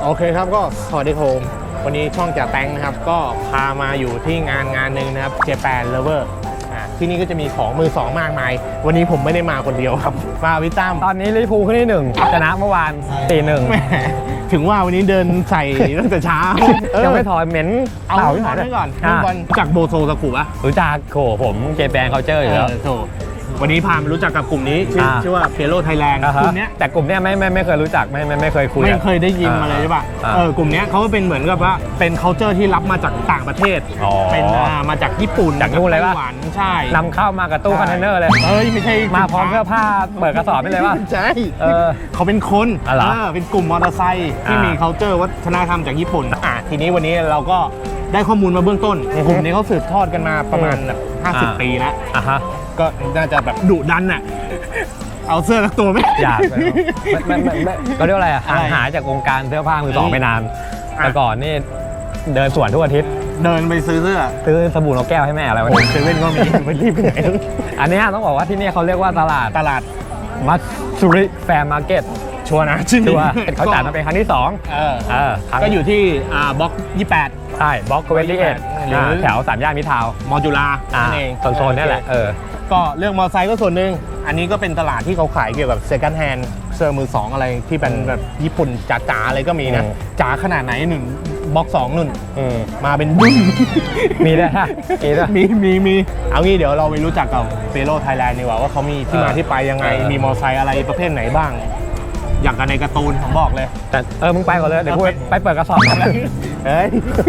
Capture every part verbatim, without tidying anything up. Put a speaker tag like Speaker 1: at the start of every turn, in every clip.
Speaker 1: โอเคครับก็สวัสดีครับวันนี้ช่องจ่าแตงนะครับก็พามาอยู่ที่งานงานหนึ่งนะครับ Japan Lover อ่าที่นี่ก็จะมีของมือสองมากมายวันนี้ผมไม่ได้มาคนเดียวครับมาวิตั้ม
Speaker 2: ตอนนี้ลิเวอร์พูลขึ้นที่หนึ่งชนะเมื่อวานสี่หนึ่ง
Speaker 1: ถึงว่าวันนี้เดินใส่ตั้งแต่เช้า
Speaker 2: ยังไม่ถอยเหม็น
Speaker 1: เอา
Speaker 2: เต่า
Speaker 1: ไว้
Speaker 2: ที่ไหน
Speaker 1: ก่อน
Speaker 2: อ่ะ
Speaker 1: บอลจากโบโซสกุปะ
Speaker 2: รู้จักโขผมเจแปนเขาเจออยู่แล้ว
Speaker 1: โถวันนี้พามารู้จักกับกลุ่มนี้ชื่อ
Speaker 2: อ่า
Speaker 1: ชื่อว่าเ e โ o ไทยแลนด์
Speaker 2: อ่าก ฮะ
Speaker 1: ลุ่มเนี้ย
Speaker 2: แต่กลุ่มเนี้ยไม่ไม่ไม่เคยรู้จักไม่ไม่ไม่เคยคุย
Speaker 1: ไม่เคยได้ยิน
Speaker 2: อ่
Speaker 1: มาเลยใช่ป่ะ
Speaker 2: อ่า
Speaker 1: เออกลุ่มเนี้ยเขาเป็นเหมือนกับว่าเป็น culture ที่รับมาจากต่างประเทศ
Speaker 2: อ๋อ
Speaker 1: เป็นอ่ามาจากญี่ปุ่น
Speaker 2: จากนู่นเลยปะ
Speaker 1: ไต้หวันใช่
Speaker 2: นำเข้ามากับตู้คอนเทนเนอร์เลย
Speaker 1: เอ้ยไม่ใช่
Speaker 2: มาพร้อมเสื้อผ้าเปิดกระสอบไปเลยว่า
Speaker 1: ใช่
Speaker 2: เออ
Speaker 1: เขาเป็นคน
Speaker 2: อ๋อเหรอ
Speaker 1: เออเป็นกลุ่มมอเตอร์ไซค์ที่
Speaker 2: อ่ามี
Speaker 1: มี culture วัฒนธรรมจากญี่ปุ่นอ่ะทีนี้วันนี้เราก็ได้ข้อมูลมาเบื้องต้นกลุ่มนี้เขาสืบทอดกันมาประมาณแบบห้าสิบปีแล้ว
Speaker 2: อ่ะฮะ
Speaker 1: ก็น่าจะแบบดุดันน่ะ เอาเสื้อสักตัวไหม
Speaker 2: อยากเลยไม่ไม่ไม่ไม่ก็เรียกว่าอะไรอ่ะห่าง
Speaker 1: อะไร
Speaker 2: หายจากวงการเสื้อผ้ามือสองไปนาน
Speaker 1: อ่ะ
Speaker 2: แต่ก่อนนี่เดินสวนทุกอาทิตย์
Speaker 1: เดินไปซื้อเสื้อ
Speaker 2: ซื้อสบู่นกแก้วให้แม่อะไรวัน
Speaker 1: โอ้
Speaker 2: นี้
Speaker 1: เซเว่นก็มี ไปรีบไปไหน
Speaker 2: อันเนี้ยต้องบอกว่าที่นี่เขาเรียกว่าตลาด
Speaker 1: ตลาด
Speaker 2: มัตสุริแฟร์มาร์เก็ต
Speaker 1: ชัวร์นะชื่อ
Speaker 2: ชั
Speaker 1: นี้
Speaker 2: วร์เขาจัดมาเป็นครั้งที่สอง
Speaker 1: เออ
Speaker 2: เออครั้ง
Speaker 1: ก็อยู่ที่อ่าบล็อกยี่สิบแปด
Speaker 2: ใช่บล็อกเวสตี้เอ็ด
Speaker 1: หรือ
Speaker 2: แถวสามย่านมิตรทาวน์
Speaker 1: มอจุฬา
Speaker 2: อ่า
Speaker 1: นั่นเอง
Speaker 2: โซนๆนี่แหละเออ
Speaker 1: ก็เรื่องมอเตอร์ไซค์ก็ส่วนหนึ่งอันนี้ก็เป็นตลาดที่เขาขายเกี่ยวกับ second hand เสื้อมือสองอะไรที่เป็นแบบญี่ปุ่นจ๋าๆอะไรก็มีนะ
Speaker 2: อืม
Speaker 1: จ๋าขนาดไหนหนึ่งบล็อกสองนุ่น
Speaker 2: อืม
Speaker 1: มาเป็นดุ้น
Speaker 2: มีด้วยฮะมีด้วย
Speaker 1: มีมีมีเอางี้เดี๋ยวเราไปรู้จักกับเ e โ o ไทยแลนด์ดีกว่าว่าเขามีที่มา
Speaker 2: เออ
Speaker 1: ที่ไปยังไง
Speaker 2: เออ
Speaker 1: มีมอเตอร์ไซค์อะไรประเภทไหนบ้าง อย่างกันในการ์ตูนผมบอกเลย
Speaker 2: แต่เออมึงไปก่อนเลยเดี๋ยวกู
Speaker 1: เอาไป
Speaker 2: ไปเปิดกระสอบก่อนเลย
Speaker 1: เฮ้ย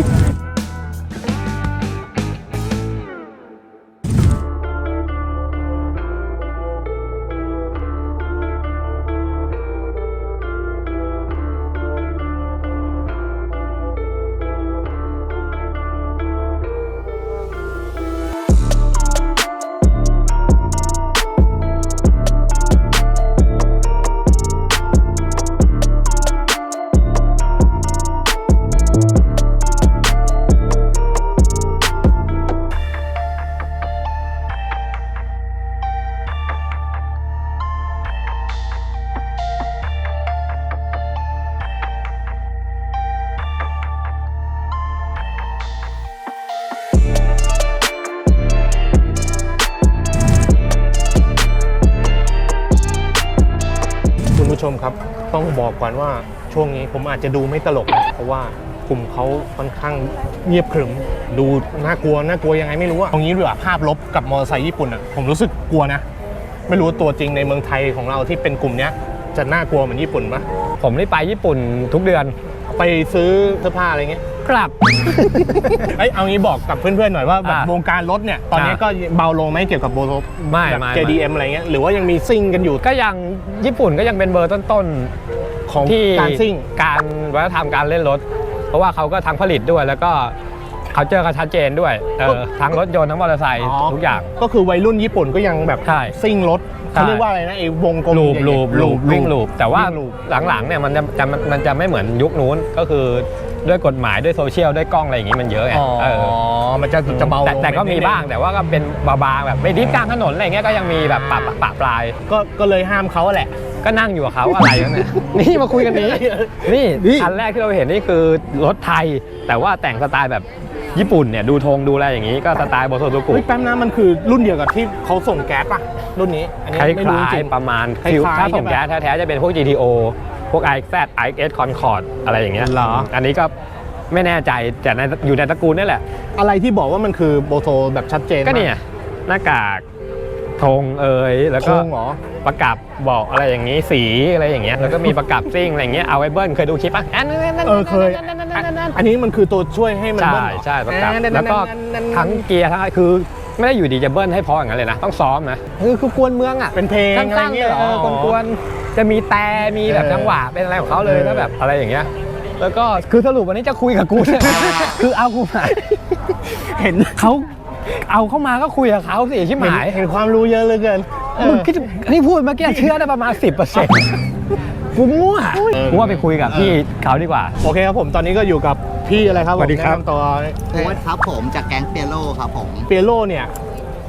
Speaker 1: คุณผู้ชมครับต้องบอกก่อนว่าช่วงนี้ผมอาจจะดูไม่ตลกนะเพราะว่ากลุ่มเขาค่อนข้างเงียบขรึมดูน่ากลัวน่ากลัวยังไงไม่รู้อะตรงนี้ดีกว่าภาพลบกับมอเตอร์ไซค์ญี่ปุ่นอะผมรู้สึกกลัวนะไม่รู้ว่าตัวจริงในเมืองไทยของเราที่เป็นกลุ่มเนี้ยจะน่ากลัวเหมือนญี่ปุ่นปะ
Speaker 2: ผมนี่ไปญี่ปุ่นทุกเดือน
Speaker 1: ไปซื้อเสื้อผ้าอะไรเงี้ย
Speaker 2: กลับ
Speaker 1: เอ้ยเอางี้บอกกับเพื่อนๆหน่อยว่าแบบ
Speaker 2: อ่ะ
Speaker 1: วงการรถเนี่ยตอนนี้
Speaker 2: อ่ะ
Speaker 1: ก็เบาลงไหมเกี่ยวกับโบโซ
Speaker 2: ไม่
Speaker 1: แบบ
Speaker 2: ไม่
Speaker 1: เจ ดี เอ็ม อะไรเงี้ยหรือว่ายังมีซิ่งกันอยู่
Speaker 2: ก็ยังญี่ปุ่นก็ยังเป็นเบอร์ต้น
Speaker 1: ของ
Speaker 2: ๆที่
Speaker 1: การซิ่ง
Speaker 2: การวัฒนธรรมการเล่นรถ เพราะว่าเขาก็ทั้งผลิตด้วยแล้วก็เขาเจอกันชัดเจนด้วยเออทั้งรถยนต์ทั้งมอเตอร์ไซค์ทุกอย่าง
Speaker 1: ก็คือวัยรุ่นญี่ปุ่นก็ยังแบบ
Speaker 2: ใช่
Speaker 1: ซิ่งรถเขาเรียกว่าอะไรนะไอ้วงกลม
Speaker 2: ลูบ
Speaker 1: ใหญ่ๆ
Speaker 2: ลูบลูบวิ่งลูบแต่ว่า
Speaker 1: วิ่งลูป
Speaker 2: หลังๆเนี่ยมันจะจะมันจะไม่เหมือนยุคนู้นก็คือด้วยกฎหมายด้วยโซเชียลด้วยกล้องอะไรอย่างงี้มันเยอะไง
Speaker 1: อ๋อ
Speaker 2: เออ
Speaker 1: มันจะจะเบาล
Speaker 2: แต่
Speaker 1: ง
Speaker 2: แต่ก็มี
Speaker 1: นิดนึ
Speaker 2: บ้างแต่ว่าก็เป็นบางๆแบบไม่ดิฟกลางถนนอะไรเงี้ยก็ยังมีแบบปะปะปะปลาย
Speaker 1: ก็ก็เลยห้ามเขาแหละ
Speaker 2: ก็นั่งอยู่กับเขาอะไรกันเนี่ย นี่มาคุยกันนี้ นี่
Speaker 1: นี่
Speaker 2: คันแรกที่เราเห็นนี่คือรถไทย แต่ว่าแต่งสไตล์แบบญี่ปุ่นเนี่ยดูธงดูอะไรอย่างนี้ก็สไตล์โบโซโตกุ
Speaker 1: เฮ้ยแป๊บนะมันคือรุ่นเดียวกับที่เขาส่งแก๊สป่ะรุ่นนี้อันนี้
Speaker 2: คล้าย
Speaker 1: ไม่รู้จริง
Speaker 2: ๆประมาณ
Speaker 1: คล้ายๆ
Speaker 2: ฟิวถ้าส่ง
Speaker 1: ใช่ปะ
Speaker 2: แก๊สแท้ๆจะเป็นพวก จี ที โอ พวก ไอ เอ็กซ์ แซด ไอ เอ็กซ์ เอส Concord อะไรอย่างเงี้ย
Speaker 1: เหรอ
Speaker 2: อันนี้ก็ไม่แน่ใจแต่ในอยู่ในตระกูลนี่แหละ
Speaker 1: อะไรที่บอกว่ามันคือโบโซแบบชัดเจน
Speaker 2: ก็เนี่ยหน้ากากธงเอ่ยแล้ว
Speaker 1: โค
Speaker 2: ก็
Speaker 1: งเหรอ
Speaker 2: ประกับบอกอะไรอย่างนี้สีอะไรอย่างเงี้ยแล้วก็มีประกับซิ่งอะไรอย่างเงี้ยเอาไว้เบิ้ลเคยดูคลิปป่ะอันนั้น
Speaker 1: เออเคยอันนี้มันคือตัวช่วยให้มัน
Speaker 2: ใช่
Speaker 1: เบิ้ลเหรอ
Speaker 2: ใช่ประกับ
Speaker 1: อ่า
Speaker 2: แล้วก็ทั้งเกียร์ทั้งคือไม่ได้อยู่ดีจะเบิ้ลให้เพราะอย่างนั้นเลยนะต้องซ้อมนะคือคือกวนเมืองอ่ะ
Speaker 1: เป็นเพลงอะไร
Speaker 2: ตั้งๆ
Speaker 1: เงี้ยเหรอ
Speaker 2: เออกวนๆจะมีแต่มีแบบ
Speaker 1: เออ
Speaker 2: จังหวะเป็นอะไรของเขาเลย
Speaker 1: เออ
Speaker 2: แล้วแบบอะไรอย่างเงี้ยแล้วก็คือสรุปวันนี้จะคุยกับกูเนี่ย คือเอากูมา
Speaker 1: เห็น
Speaker 2: เขาเอาเข้ามาก็คุยกับเขาสิชิบหาย
Speaker 1: เห็นความรู้เยอะเหลือเกินเออ
Speaker 2: มึงคิดนี่พูดเมื่อกี้เชื่อได้ประมาณ สิบเปอร์เซ็นต์ กูมั่ว
Speaker 1: เออ
Speaker 2: กูว่าไปคุยกับพี่เขาดีกว่า
Speaker 1: โอเคครับผมตอนนี้ก็อยู่กับพี่อะไรครับ
Speaker 2: สวัสดีครับ
Speaker 1: ผมแนะนำตัว
Speaker 3: โค้ชครับผมจากแก๊งเปียโลครับผม
Speaker 1: เปียโรเนี่ย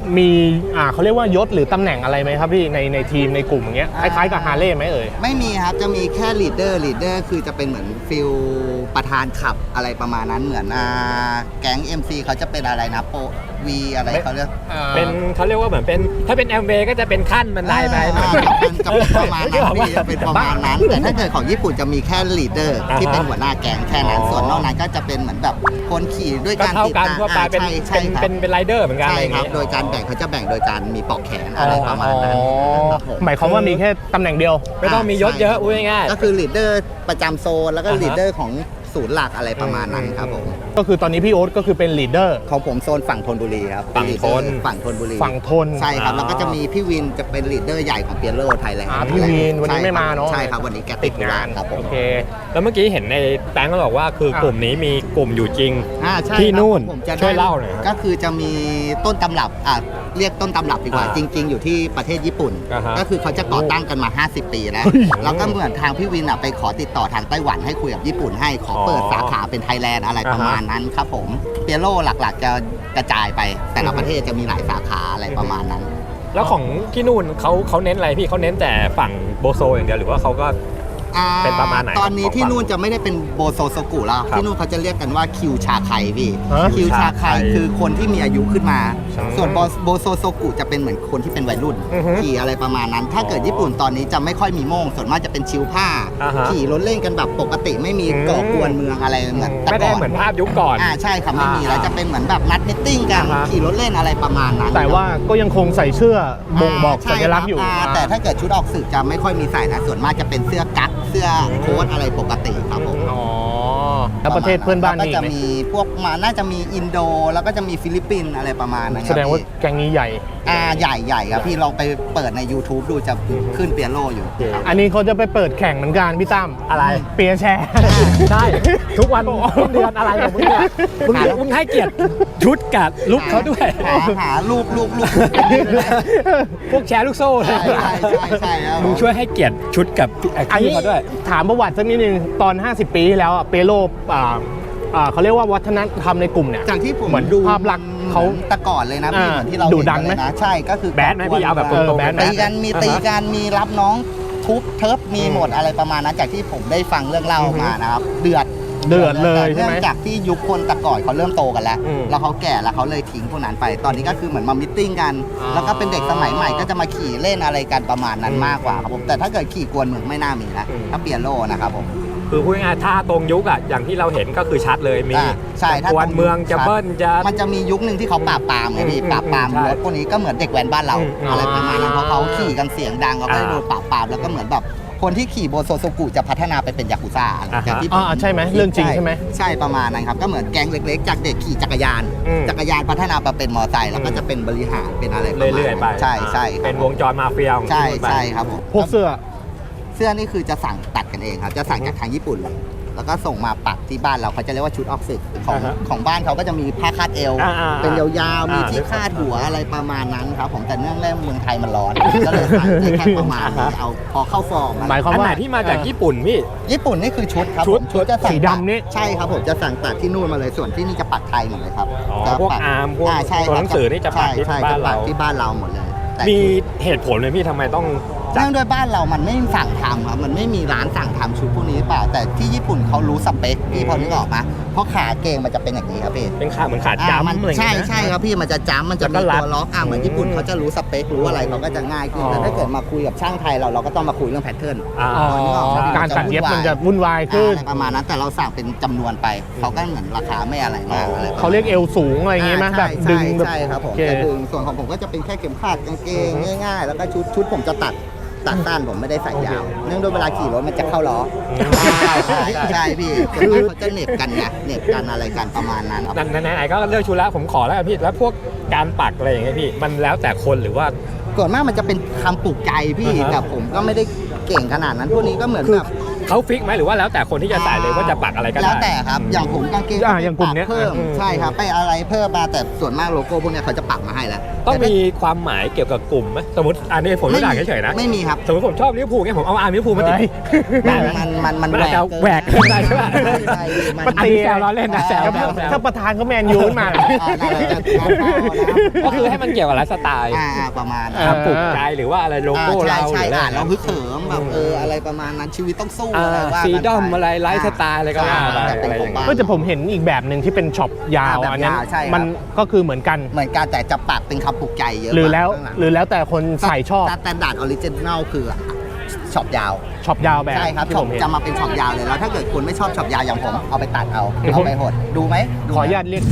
Speaker 1: มีอ่าเขาเรียกว่ายศหรือตำแหน่งอะไรไหมครับพี่ในในทีมในกลุ่มอย่างเงี้ยคล้ายๆกับฮาร์เลย์ไหมเอ่ย
Speaker 3: ไม่มีครับจะมีแค่ลีดเดอร์ลีดเดอร์คือจะเป็นเหมือนฟิลประธานขับอะไรประมาณนั้นเหมือนอ่าแก๊ง เอ็ม ซี เขาจะเป็นอะไรนะโปวีอะไรเขาเรียก
Speaker 2: เป็นเขาเรียกว่าเหมือนเป็นถ้าเป็นแอมเบก็จะเป็นขั้นบันไดไป
Speaker 3: อ่าจะเป็นจะเป็นประมาณนั้นพี่จะเป็นประมาณนั้นแต่ถ้าเกิดของญี่ปุ่นจะมีแค่ลีดเดอร์ที่เป็นหัวหน้าแก๊งแค่นั้นส่วนนอกนั้นก็จะเป็นเหมือนแบบคนขี่ด้วย
Speaker 2: ก็
Speaker 3: การ
Speaker 2: เท่า
Speaker 3: ติด
Speaker 2: กัน
Speaker 3: ตาม
Speaker 2: ทั่วไป
Speaker 3: อ่า
Speaker 2: เป็น
Speaker 3: ใช่ใช่
Speaker 2: เป็น
Speaker 3: ครับ
Speaker 2: เป็นเป็นไรเดอร์เหมือนกัน
Speaker 3: ใช่
Speaker 2: อะไรอย่าง
Speaker 3: ครับ
Speaker 2: เงี้ย
Speaker 3: โดยการแบ่งเขาจะแบ่งโดยการมีปลอกแขนอะไรประมาณนั้นครับผม
Speaker 1: หมายความว่ามีแค่ตำแหน่งเดียว
Speaker 2: ไม่ต้องมียศเยอะพูดง่ายๆ
Speaker 3: ก็คือลีดเดอร์ประจำโซนแล้วก็
Speaker 2: อ่าฮะ
Speaker 3: ลีดเดอร์ของศูนย์หลักอะไรประมาณนั้นครับผม
Speaker 1: ก็คือตอนนี้พี่โอ๊ตก็คือเป็นลีดเดอร์
Speaker 3: ของผมโซนฝั่งธนบุรีครับ
Speaker 2: ฝั่งธน
Speaker 3: ฝั่งธนบุรี
Speaker 1: ฝั่งทน
Speaker 3: ใช่ครับ
Speaker 2: อ๋อ
Speaker 3: แล้วก็จะมีพี่วินจะเป็นลีดเดอร์ใหญ่ของเปียโรไทยแลนด์
Speaker 1: อ่าพี่วินวันนี้ไม่มาเนอะ
Speaker 3: ใช่ครับวันนี้แก
Speaker 1: ติ
Speaker 3: ติ
Speaker 1: ด
Speaker 3: ด
Speaker 1: งาง
Speaker 3: าน นครับผม
Speaker 1: โอเค
Speaker 2: แล้วเมื่อกี้เห็นในแตงก็บอกว่าคือ
Speaker 1: อ่ะ
Speaker 2: กลุ่มนี้มีกลุ่มอยู่จริง
Speaker 3: อ่าใช่
Speaker 2: ที่
Speaker 3: ครับ
Speaker 2: นู่น
Speaker 3: ผมจะได้
Speaker 2: ช่วยเล่าหน่อยครับ
Speaker 3: ก็คือจะมีต้นตำรับอ่ะเรียกต้นตำรับดีกว่า
Speaker 2: อ่า
Speaker 3: จริง ๆ อยู่ที่ประเทศญี่ปุ่น
Speaker 2: อ่าฮะ
Speaker 3: ก็คือเขาจะก่อตั้งกันมา ห้าสิบ ปีแล้ว
Speaker 1: เฮ้ย
Speaker 3: แล้วก็เหมือนทางพี่วินอ่ะไปขอติดต่อทางไต้หวันให้คุยกับญี่ปุ่นให้ขอเปิด
Speaker 2: อ๋อ
Speaker 3: สาขาเป็นไทยแลนด์อะไรประมาณ
Speaker 2: อ่าฮะ
Speaker 3: นั้นครับผมเปียโรหลักๆจะกระจายไป แต่ละประเทศจะมีหลายสาขาอะไรประมาณนั้น
Speaker 2: แล้วของที่นู่นเขาเขาเน้นอะไรพี่เขาเน้นแต่ฝั่งโบโซอย่างเดียวหรือว่าเขาก็
Speaker 3: อ่า
Speaker 2: เป็นประมาณไหน
Speaker 3: ตอนนี้
Speaker 2: ของ
Speaker 3: ที่
Speaker 2: ฝั่ง
Speaker 3: นู่นจะไม่ได้เป็นโบโซโซกุแล้ว
Speaker 2: ครับ
Speaker 3: ที่นู่นเขาจะเรียกกันว่าคิวชาไคพี่
Speaker 1: ฮะ
Speaker 3: คิวชาไค
Speaker 2: ชาไค
Speaker 3: คือคนที่มีอายุขึ้นมา
Speaker 2: อืม
Speaker 3: ส่วนโบโบโซโซกุจะเป็นเหมือนคนที่เป็นวัยรุ่น
Speaker 1: อือฮึ
Speaker 3: ขี่อะไรประมาณนั้น ถ้าเกิดญี่ปุ่นตอนนี้จะไม่ค่อยมีโม่งส่วนมากจะเป็นชิวผ้า
Speaker 2: อ่าฮะ
Speaker 3: ขี่รถเล่นกันแบบปกติไม่มี
Speaker 2: อืม
Speaker 3: ก่อกวนเมืองอะไรเหมือนแต่
Speaker 2: ไม่ได้
Speaker 3: ก่อน
Speaker 2: เหมือนภาพยุคก่อน
Speaker 3: อ่าใช่ครับไม่มี
Speaker 2: อ่า
Speaker 3: แล้วจะเป็นเหมือนแบบนัดมิทติ้งกัน
Speaker 2: อ่าฮะ
Speaker 3: ขี่รถเล่นอะไรประมาณนั้น
Speaker 1: แต่ว่าก็ยังคงใส่เสื้อบ่งบอก
Speaker 3: ใช่
Speaker 1: สัญลักษณ์อยู่
Speaker 3: ครับ
Speaker 1: อ่า
Speaker 3: แต่ถ้าเกิดชุดออกสื่อจะไม่ค่อยมีใส่นะส่วนมากจะเป็นเสื้อกั๊กเสื้อโค้ทอะไรปกติครับผม
Speaker 1: อ๋อแล้วประเทศเพื่อนบ้าน
Speaker 3: ก็
Speaker 1: มีอี
Speaker 3: จะ
Speaker 1: กไหม
Speaker 3: มีพวกมาน่าจะมีอินโด แล้วก็จะมีฟิลิปปินส์อะไรประมาณนั้นค
Speaker 1: แส
Speaker 3: รับ
Speaker 1: ดงว่า
Speaker 3: พี่
Speaker 1: แกงนี้ใหญ่
Speaker 3: อ่าใหญ่ใหญ่ครับพี่ลองไปเปิดใน YouTube ดูจะขึ้นเปียโรอยู่ครับ
Speaker 1: อันนี้เขาจะไปเปิดแข่งเหมือนกันพี่ตั้ม
Speaker 2: อะไร
Speaker 1: เปียร์แชร์
Speaker 2: ใช่ทุกวันทุกเดือนอะไรของมึงเนี่ยมึงมึงให้เกียรติชุดกับลุกเขาด้วย
Speaker 3: หาหาลูกลูกลูก
Speaker 2: พวกแชร์ลูกโซ่เล
Speaker 3: ใช่
Speaker 2: ย
Speaker 3: ใช่ใช่ใช่ครับ
Speaker 2: มึงช่วยให้เกียรติชุดกับ
Speaker 1: อัน
Speaker 2: พี่
Speaker 1: นี้
Speaker 2: เขาด้วย
Speaker 1: ถามประวัติสักนิดนึงตอน ห้าสิบ ปีที่แล้วอะเปโลอ่าอ่าเขาเรียกว่าวัฒนธรรมในกลุ่มเนี่ย
Speaker 3: จากที่ผม
Speaker 1: เหมือน
Speaker 3: ดู
Speaker 1: ภาพลักษณ์เขา
Speaker 3: หมือนแต่ก่อนเลยนะพี่
Speaker 1: อ่า
Speaker 3: เหมือนที่เรา
Speaker 1: ดุดันไหม
Speaker 3: เห็เลยนะใช่ก็คือ
Speaker 2: แบดไหมพี่เอาแบบตรงๆ
Speaker 1: แบดไหม
Speaker 3: ตีกันมีตีกันมีรับน้องทุบเทิบมี
Speaker 1: อืม
Speaker 3: หมดอะไรประมาณนั้นจากที่ผมได้ฟังเรื่องเล่า
Speaker 1: อือฮึ
Speaker 3: มานะครับเดือด
Speaker 1: เดือดเลยใช่ไหม
Speaker 3: เนื่องจากที่ยุคคนแต่ก่อนเขาเริ่มโตกันแล้ว
Speaker 1: อืม
Speaker 3: แล้วเขาแก่แล้วเขาเลยทิ้งพวกนั้นไป ตอนนี้ก็คือเหมือนมามิทติ้งกัน
Speaker 1: อ๋อ
Speaker 3: แล้วก็เป็นเด็กสมัยใหม่ก็จะมาขี่เล่นอะไรกันประมาณนั้น
Speaker 1: อืม
Speaker 3: มากกว่าครับผมแต่ถ้าเกิดขี่กวนเมืองไม่น่ามีนะ
Speaker 1: อืม
Speaker 3: ถ้าเปลี่ยนโลนะครับผม
Speaker 2: คือพูดง่ายๆถ้าตรงยุคอะอย่างที่เราเห็นก็คือชัดเลยมี
Speaker 3: อ่าใช่ถ้า
Speaker 2: กวนเมืองจะเบิ้ลจะ
Speaker 3: มันจะมียุคหนึ่งที่เขาปราบปรามไงพี่
Speaker 1: อืม
Speaker 3: ปราบปราม
Speaker 2: ใช่
Speaker 3: รถพวกนี้ก็เหมือนเด็กแว้นบ้านเรา
Speaker 1: อืม
Speaker 3: อะไรประมาณนั้นเพราะเขาขี่กันเสียงดังเขาก็
Speaker 2: อ่า
Speaker 3: โดนปราบปรามแล้วก็เหมือนแบบคนที่ขี่โบโซโซกุจะพัฒนาไปเป็นยากุซ่าอะไร
Speaker 2: อ่าฮะ
Speaker 3: จากที่
Speaker 1: อ่าใช่ไหมเรื่องจริงใช่ไหม
Speaker 3: ใช่ประมาณนั้นครับก็เหมือนแก๊งเล็กๆ จากเด็กขี่จักรยาน
Speaker 1: อืม
Speaker 3: จักรยานพัฒนามาเป็นมอเตอร์ไซค์แล้วก็จะเป็นบริหารเป็นอะไรประมาณ
Speaker 2: เรื่อยๆไป
Speaker 3: นั้นใช่ใช่ครับ
Speaker 2: เป็นวงจรมาเฟียของ
Speaker 3: ใช่
Speaker 2: ที่นู่นไป
Speaker 3: ใช่ครับผม
Speaker 1: พวกเสื้อ
Speaker 3: เสื้อนี่คือจะสั่งตัดกันเองครับจะสั่งจากทางญี่ปุ่นเลยแล้วก็ส่งมาปักที่บ้านเราเขาจะเรียกว่าชุดออกซิกของ
Speaker 2: อ่าฮะ
Speaker 3: ของบ้านเขาก็จะมีผ้าคาดเอว
Speaker 2: อ่าๆๆ
Speaker 3: เป็นยาวๆมี
Speaker 2: อ่า
Speaker 3: ที่คาดหัวอะไรประมาณนั้นครับผมแต่เนื่องแรกเมืองไทยมันร้อน ก็เลยสั่งได้แค่ประมาณนี้เอาพอเข้าฟอร์มอะ
Speaker 1: หมายความ
Speaker 2: อัน
Speaker 1: ว่า
Speaker 2: ไหนที่มาจากญี่ปุ่นพี่
Speaker 3: ญี่ปุ่นนี่คือชุดครับ
Speaker 2: ชุด
Speaker 3: ผมชุดจะสั่ง
Speaker 1: สีดำนี่
Speaker 3: ใช่ครับผมจะสั่งตัดที่นู่นมาเลยส่วนที่นี่จะปักไทยหมดเลยครับ
Speaker 2: อ๋อ
Speaker 3: จะ
Speaker 2: พวก
Speaker 3: ปั
Speaker 2: อาร์มพวก
Speaker 3: ใช่
Speaker 2: ตัว
Speaker 3: ค
Speaker 2: ห
Speaker 3: รับ
Speaker 2: นังสือนี่จะปักที่
Speaker 3: ใช่
Speaker 2: บ้าน
Speaker 3: จะปั
Speaker 2: เรา
Speaker 3: กที่บ้านเราหมดเลยแต่
Speaker 2: มี
Speaker 3: ชุด
Speaker 2: เหตุผลเลยพี่ทำไมต้องจัด
Speaker 3: เนื่องด้วยบ้านเรามันไม่สั่งทำครับมันไม่มีร้านสั่งทำชุดพวกนี้หรือเปล่าแต่ที่ญี่ปุ่นเขารู้สเปคพี่พอนึกออกไหมเพราะขาเกงมันจะเป็นอย่างนี้ครับพี่
Speaker 2: เป็นขาเหมือนขา
Speaker 3: อ่า
Speaker 2: จ้ำ
Speaker 3: มัน
Speaker 2: อะไรอย่าง
Speaker 3: ใช่
Speaker 2: เงี้ยนะ
Speaker 3: ใช่ครับพี่มันจะจ้ำมันจะ
Speaker 2: แล้ว
Speaker 3: มี
Speaker 2: ก็รัด
Speaker 3: ตัวล็อกอ่ะเหมือนญี่ปุ่นเขาจะรู้สเปครู้อะไรเขาก็จะง่ายขึ้น
Speaker 2: อ๋อ
Speaker 3: แต่ถ้าเกิดมาคุยกับช่างไทยเราเราก็ต้องมาคุยเรื่องแพทเทิร์น
Speaker 2: อ่า
Speaker 1: อ๋อการตัดเย็บมันจะวุ่นวายขึ้น
Speaker 3: อะไรประมาณนั้นแต่เราสั่งเป็นจำนวนไปเขาก็เหมือนราคาไม่อะไรมากอะไร
Speaker 1: เขาเรียกเอวสูงอะไรอย่างงี้ไหม
Speaker 3: อ่า
Speaker 1: แบบ
Speaker 3: ใช่
Speaker 1: ดึงแบบ
Speaker 3: ใช่ครับผม
Speaker 1: โอเค
Speaker 3: จะดึงส่วนของผมก็จะเป็นแค่เข็มขัดกางเกงง่ายๆ แล้วก็ชุดชุดผมจะตัดตัดสั้นผมไม่ได้ใส่ยาว เนื่องด้วยเวลาขี่รถมันจะเข้าล้อใช่ใช่ใช่พี่คือเขาจะเหน็บกันไงเหน็บกันอะไรกันประมาณนั้นครับ
Speaker 2: นั่นไหนๆก็เลือกชุดแล้วผมขอแล้วกันพี่แล้วพวกการปักอะไรอย่างเงี้ยพี่มันแล้วแต่คนหรือว่า
Speaker 3: ส่วนมากมันจะเป็นคำปลุกใจพี่
Speaker 2: อ่าฮะ
Speaker 3: แต่ผมก็ไม่ได้เก่งขนาดนั้นพวกนี้ก็เหมือนแบบ
Speaker 2: เขาฟิกไหมหรือว่าแล้วแต่คนที่จะใส่เลยว่าจะปักอะไรก็ได้
Speaker 3: แล้วแต่ครับอย่างผมกางเกง
Speaker 1: อ่าอย่างกลุ่มเนี้ย
Speaker 3: เพิ่ม
Speaker 1: อืม
Speaker 3: ใช่ครับไปอะไรเพิ่มมาแต่ส่วนมากโลโก้พวกเนี้ยเขาจะปักมาให้แล้ว
Speaker 2: ต้องมีความหมายเกี่ยวกับกลุ่มไหมสมมติอันนี้ผมยกตัวอย่างเฉยๆนะ
Speaker 3: ไม่มีครับ
Speaker 2: สมมติผมชอบลิเวอร์พูลเนี่ยผมเอาอาร์มลิเวอร์พูลมาติด
Speaker 3: มันมันมันมัน
Speaker 2: มันอาจจะแหวก
Speaker 3: เกิน
Speaker 2: ได้ใช่ปะ
Speaker 3: ใช่ใช่มัน
Speaker 2: อันนี้แซวล้อเล่นนะแซวแซวแซว
Speaker 1: ถ้าประธานเขาแมนยูขึ้นมา
Speaker 3: อ่านั่นแหละครับ
Speaker 2: ก็คือให้มันเกี่ยวกับไลฟ์สไตล์
Speaker 3: อ่าอ่าประมาณ
Speaker 1: เออ
Speaker 2: ความปลุกใจหรือว่าอะไรโลโก้
Speaker 3: อ่า
Speaker 2: เรา
Speaker 3: ใช่
Speaker 2: หรือ
Speaker 3: ใช่
Speaker 2: อะไร
Speaker 3: อ่านเราฮึกเหิมแบบเอออะไรประมาณนั้นชีวิตต้องสู้อะไรว่า
Speaker 2: ฟรีดอม
Speaker 3: กันป
Speaker 2: อะไรไลฟ์สไตล์อะไรก็ว่าไป
Speaker 3: ใช่
Speaker 2: อะไรอย่าง
Speaker 3: แต่
Speaker 2: เงี้ย
Speaker 1: ก็จะผมเห็นอีกแบบหนึ่งที่เป็นช็อปยาว
Speaker 3: อ่าแบบ
Speaker 1: อันนั้น
Speaker 3: ยาวใช่ครับ
Speaker 1: มันก็คือเหมือนกัน
Speaker 3: เหมือนกันแต่จะปักเป็นคำปลุกใจเยอะ
Speaker 1: หรือแล้ว
Speaker 3: ข้างหง
Speaker 1: หรือแล้วแต่คนใส่ชอบ
Speaker 3: สแตนดาร์ดออริจินอลคือช็อปยาว
Speaker 1: ช็อปยาวแบบ
Speaker 3: ใช่ครับ
Speaker 1: ที่
Speaker 3: ช็อ
Speaker 1: ผ
Speaker 3: ป
Speaker 1: มเห็น
Speaker 3: จะมาเป็นช็อปยาวเลยแล้วถ้าเกิดคุณไม่ชอบช็อปยาวอย่างผมเอาไปตัดเอา
Speaker 1: เดี๋ยวผม
Speaker 3: เอาไปหดดูไหมดู
Speaker 1: ขออนุญาตเรียก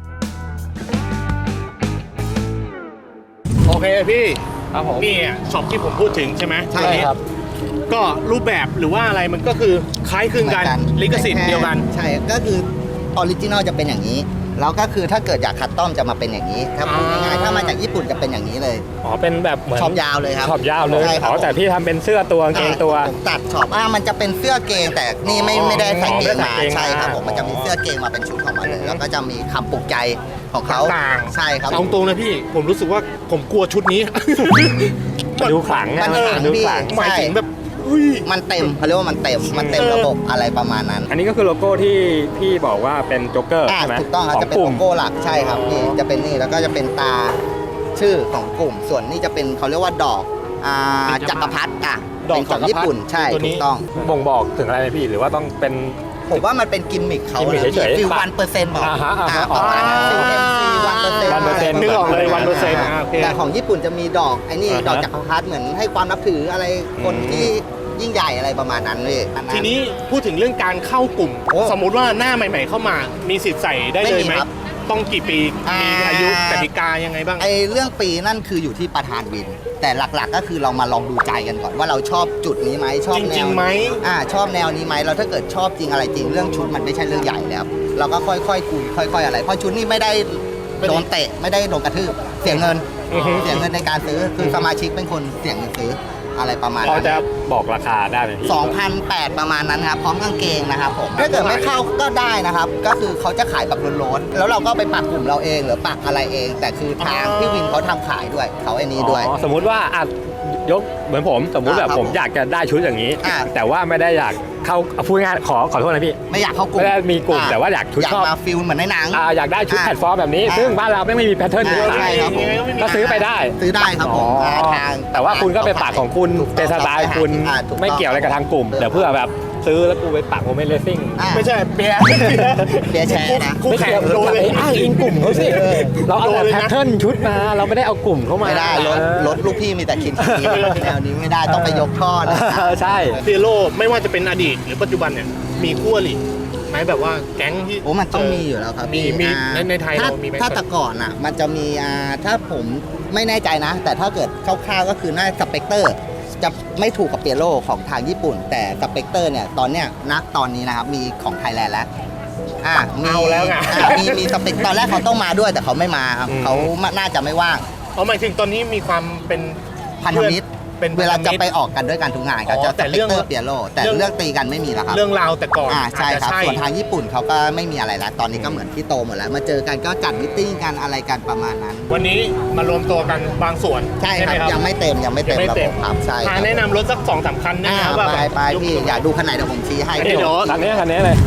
Speaker 1: โอเคพี่
Speaker 2: ครับผม
Speaker 1: นี่อ่ะช็อปที่ผมพูดถึงใช่ไหม
Speaker 3: ใช่ครับ
Speaker 1: ก็รูปแบบหรือว่าอะไรมันก็คือคล้ายคลึงกันลิขสิทธิ์เดียวกัน
Speaker 3: ใช่ก็คือออริจินอลจะเป็นอย่างนี้แล้วก็คือถ้าเกิดอยากคัสตอมจะมาเป็นอย่างนี้ถ้าพูดง่ายๆถ้ามาจากญี่ปุ่นจะเป็นอย่างนี้เลย
Speaker 2: อ๋อเป็นแบบเหมือน
Speaker 3: ช็อปยาวเลยครับ
Speaker 2: ช็อปยาวเลย
Speaker 3: ใช่ค
Speaker 2: อ๋
Speaker 3: รับ
Speaker 2: อแต่พี่ทำเป็นเสื้อตัวกางเกงตัว
Speaker 3: ผมตัดช็อปอ่ามันจะเป็นเสื้อเกงแต่นี่ไม่
Speaker 2: อ๋อ
Speaker 3: ไม่ได้ใส่เกง
Speaker 2: ไม่
Speaker 3: มา
Speaker 2: ได้ใส่เกงมา
Speaker 3: ใช่ครับผมมันจะมีเสื้อเกงมาเป็นชุดของมันเลยแล้วก็จะมีคำปลุกใจของเขา
Speaker 1: ต่างๆ
Speaker 3: ใช่ครับ
Speaker 1: เอาตรงนะพี่ ผมรู้สึกว่าผมกลัวชุดนี้
Speaker 2: ดูขลัง
Speaker 3: มัน
Speaker 2: นะ
Speaker 3: ขลัง
Speaker 2: ดู
Speaker 3: พี่
Speaker 2: ขลัง
Speaker 1: หมายถึงแบบอุ้ย
Speaker 3: มันเต็มเขาเรียกว่ามันเต็มมันเต็มระบบอะไรประมาณนั้น
Speaker 2: อันนี้ก็คือโลโก้ที่พี่บอกว่าเป็นโจ๊กเกอร์
Speaker 3: อ่า
Speaker 2: ใช่ไหม
Speaker 3: ถูกต้องครับ
Speaker 2: ข
Speaker 3: จะเป็น
Speaker 2: ก
Speaker 3: โล
Speaker 2: ลุ่ม
Speaker 3: โก้หลักใช่ครับนี่จะเป็นนี่แล้วก็จะเป็นตาชื่อของกลุ่ม ส่วนนี่จะเป็นเขาเรียกว่าดอกอ่าจักรพรรดิอ่ะ
Speaker 1: ดอก
Speaker 3: เป็นของญี่ปุ่นใช่
Speaker 1: ตัวนี้
Speaker 3: ถูกต้อง
Speaker 2: บ่งบอกถึงอะไรไหมพี่หรือว่าต้องเป็น
Speaker 3: ผมว่ามันเป็นกิมมิคเขา
Speaker 2: กิมมิค
Speaker 3: นะ
Speaker 2: เฉยๆ
Speaker 3: ฟิล
Speaker 2: ปะ
Speaker 3: วันเปอร์เซ็นต์บอก
Speaker 2: อ่าฮะอ่าฮะ
Speaker 3: ประมาณนั้นฟิลเอ็มซีวันเปอร์เซ็นต์
Speaker 2: วันเปอร์เซ็นต์
Speaker 1: นึกออกเลยวันเปอร์เซ็นต์อ่าโอเค
Speaker 3: แต่ของญี่ปุ่นจะมีดอกไอ้นี่
Speaker 1: อ่าฮะ
Speaker 3: ดอกจักรพรรดิเหมือนให้ความนับถืออะไรคนที่ยิ่งใหญ่อะไรประมาณนั้นเลยอั
Speaker 1: ทีนี้พูดถึงเรื่องการเข้ากลุ่ม
Speaker 3: โอ้
Speaker 1: สมมุติว่าหน้าใหม่ ๆ เข้ามามีสิทธิ์ใส่ได้เลยไหม
Speaker 3: ไม่มีครับ
Speaker 1: ต้องกี่ปี
Speaker 3: อ่ามี
Speaker 1: มีอายุกติกายังไงบ้าง
Speaker 3: ไอ้เรื่องปีนั่นคืออยู่ที่ประธานวิน แต่หลักๆก็คือเรามาลองดูใจกันก่อนว่าเราชอบจุดนี้ไหมชอบ
Speaker 1: จ
Speaker 3: แน
Speaker 1: ริง
Speaker 3: ว
Speaker 1: ๆไหม
Speaker 3: อ่าชอบแนวนี้ไหมเราถ้าเกิดชอบจริงอะไรจริงเรื่องชุดมันไม่ใช่เรื่องใหญ่แล้วเราก็ค่อยๆคุยค่อย ๆ อะไรเพราะชุดนี้ไม่ได้โดนเตะไม่ได้โดนกระทืบเสียเงิน
Speaker 1: อือฮึ
Speaker 3: เสียเงินในการซื้อคือสมาชิกเป็นคนเสียเงินซื้ออะไรประมาณ
Speaker 2: พอ
Speaker 3: นั้น
Speaker 2: จะบอกราคาได้ไหมพี่
Speaker 3: สองพันแปดร้อยประมาณนั้นครับพร้อมกางเกงนะครับผมถ้าเกิดไม่เข้าก็ได้นะครับ ก็คือเขาจะขายแบบโล้นๆแล้วเราก็ไปปักกลุ่มเราเองหรือปักอะไรเอง แต่คือทางพี่วินเขาทำขายด้วยเขาไอ้นี้ด้วย
Speaker 2: อ๋อสมมุติว่าอ่ะยกเหมือนผมสมมุติแบบ
Speaker 3: อ่าครับ
Speaker 2: ผมอยากจะได้ชุดอย่างนี้
Speaker 3: อ่า
Speaker 2: แต่ว่าไม่ได้อยากเข้าเอาพูดง่ายๆขอขอโทษนะพี่
Speaker 3: ไม่อยากเข้ากลุ่ม
Speaker 2: ไม่ได้มีกลุ่มแต่ว่าอยากชุด
Speaker 3: อยาก
Speaker 2: ชอบ
Speaker 3: มาฟิลเหมือนในหนัง
Speaker 2: อ่าอยากได้ชุด
Speaker 3: อ่า
Speaker 2: แพลตฟอร์มแบบนี้
Speaker 3: อ่า
Speaker 2: ซึ่งบ้านเราไม่มีแพทเทิร์นนี้
Speaker 3: อ่าใช่ครับผม
Speaker 2: ก็ซื้อไปได้
Speaker 3: ซื้อได้ครับผม
Speaker 2: อ๋อ
Speaker 3: ทาง
Speaker 2: แต่ว่าคุณก็ไปปักของคุณ
Speaker 3: ถูกต้อง
Speaker 2: เป็นสไตล์คุณ
Speaker 3: อ่าถูกต้อง
Speaker 2: ไม่เกี่ยวอะไรกับทางกลุ่มเดี๋ยวเพื่อแบบซื้อแล้วกูไปปักโมเมนต์เลสซิ่ง
Speaker 3: อ่า
Speaker 1: ไม่ใช่เปียร์
Speaker 3: เปียร์แชร์นะ
Speaker 1: คู่
Speaker 2: ไม่
Speaker 1: แข่
Speaker 2: เกี่
Speaker 1: ง
Speaker 2: ยว
Speaker 1: โดนเลย
Speaker 2: ไปอ้างอิงกลุ่มเขาสิ
Speaker 3: เออ
Speaker 2: เราเอาแต่
Speaker 1: โดนเลย
Speaker 2: แพ
Speaker 1: นะ
Speaker 2: ทเทิร์นชุดมาเราไม่ได้เอากลุ่มเข้ามา
Speaker 3: ไม่ได้รถ
Speaker 2: เออ
Speaker 3: รถลูกพี่มีแต่คินคีแนวนี้ไม่ได้ต้องไปยกท่อนะ
Speaker 2: เออใช่
Speaker 1: เปียโลไม่ว่าจะเป็นอดีตหรือปัจจุบันเนี่ยมีคู่อริไหมแบบว่าแก๊งที่
Speaker 3: โอ้มันต้องมีอยู่แล้วครับ
Speaker 1: มี
Speaker 3: พี่
Speaker 1: มี
Speaker 3: อ่า
Speaker 1: ในในไทย
Speaker 3: ถ้า
Speaker 1: เรามีไหม
Speaker 3: ถ้าแต่ก่อนอ่ะ มันจะมีอ่าถ้าผมไม่แน่ใจนะ แต่ถ้าเกิดคร่าวๆก็คือน่าสเปกเตอร์จะไม่ถูกกับเปียโรของทางญี่ปุ่น แต่สเปกเตอร์เนี่ยตอนเนี้ยณตอนนี้นะครับมีของไทยแลนด์แล้วอ่ามี
Speaker 1: เอาแล้วไง
Speaker 3: อ่ามีมีสเปกตอนแรกเขาต้องมาด้วยแต่เขาไม่มาครับ
Speaker 1: อืม
Speaker 3: เขาน่าจะไม่ว่าง
Speaker 1: เอาหมายถึงตอนนี้มีความเป็น
Speaker 3: พันธมิตร
Speaker 1: เป็น
Speaker 3: เวลาจะไป
Speaker 1: พันธมิตร
Speaker 3: ออกกันด้วยกันทุกงานเขา
Speaker 1: อ๋อ
Speaker 3: จะ
Speaker 1: แต่
Speaker 3: ส
Speaker 1: เรื่
Speaker 3: เป
Speaker 1: อก ง
Speaker 3: เตอร์เปียโรแต่
Speaker 1: เรื่อง
Speaker 3: เรื่องตีกันไม่มีแล้วครับ
Speaker 1: เรื่องราวแต่ก่อน
Speaker 3: อ่าใช่
Speaker 1: อาจ
Speaker 3: ค
Speaker 1: จะ
Speaker 3: รับส่วนทางญี่ปุ่นเขาก็ไม่มีอะไรแล้ว ตอนนี้ก็เหมือนที่โตหมดแล้ว มาเจอกันก็จัดมิทติ้งกันอะไรกันประมาณนั้น
Speaker 1: วันนี้มารวมตัวกันบางส่วน
Speaker 3: ใช่ครับ
Speaker 1: ไหม
Speaker 3: ยังไม่เต็มยังไม่เต็ม
Speaker 1: ยังไม่
Speaker 3: ระ
Speaker 1: เต็
Speaker 3: บ
Speaker 1: ม
Speaker 3: บครับใช่ค
Speaker 1: อ่า
Speaker 3: รับ
Speaker 1: แนะนำรถสักสองสามคันได้
Speaker 3: อ่า
Speaker 1: ไหมครับว่า
Speaker 3: ไป
Speaker 1: แบบ
Speaker 3: ไปพี่
Speaker 1: ยก
Speaker 3: อยากดูคันไหนเดี๋ยวผมชี้ให้
Speaker 1: เดี๋ยว
Speaker 2: คันนี้คันนี้เลย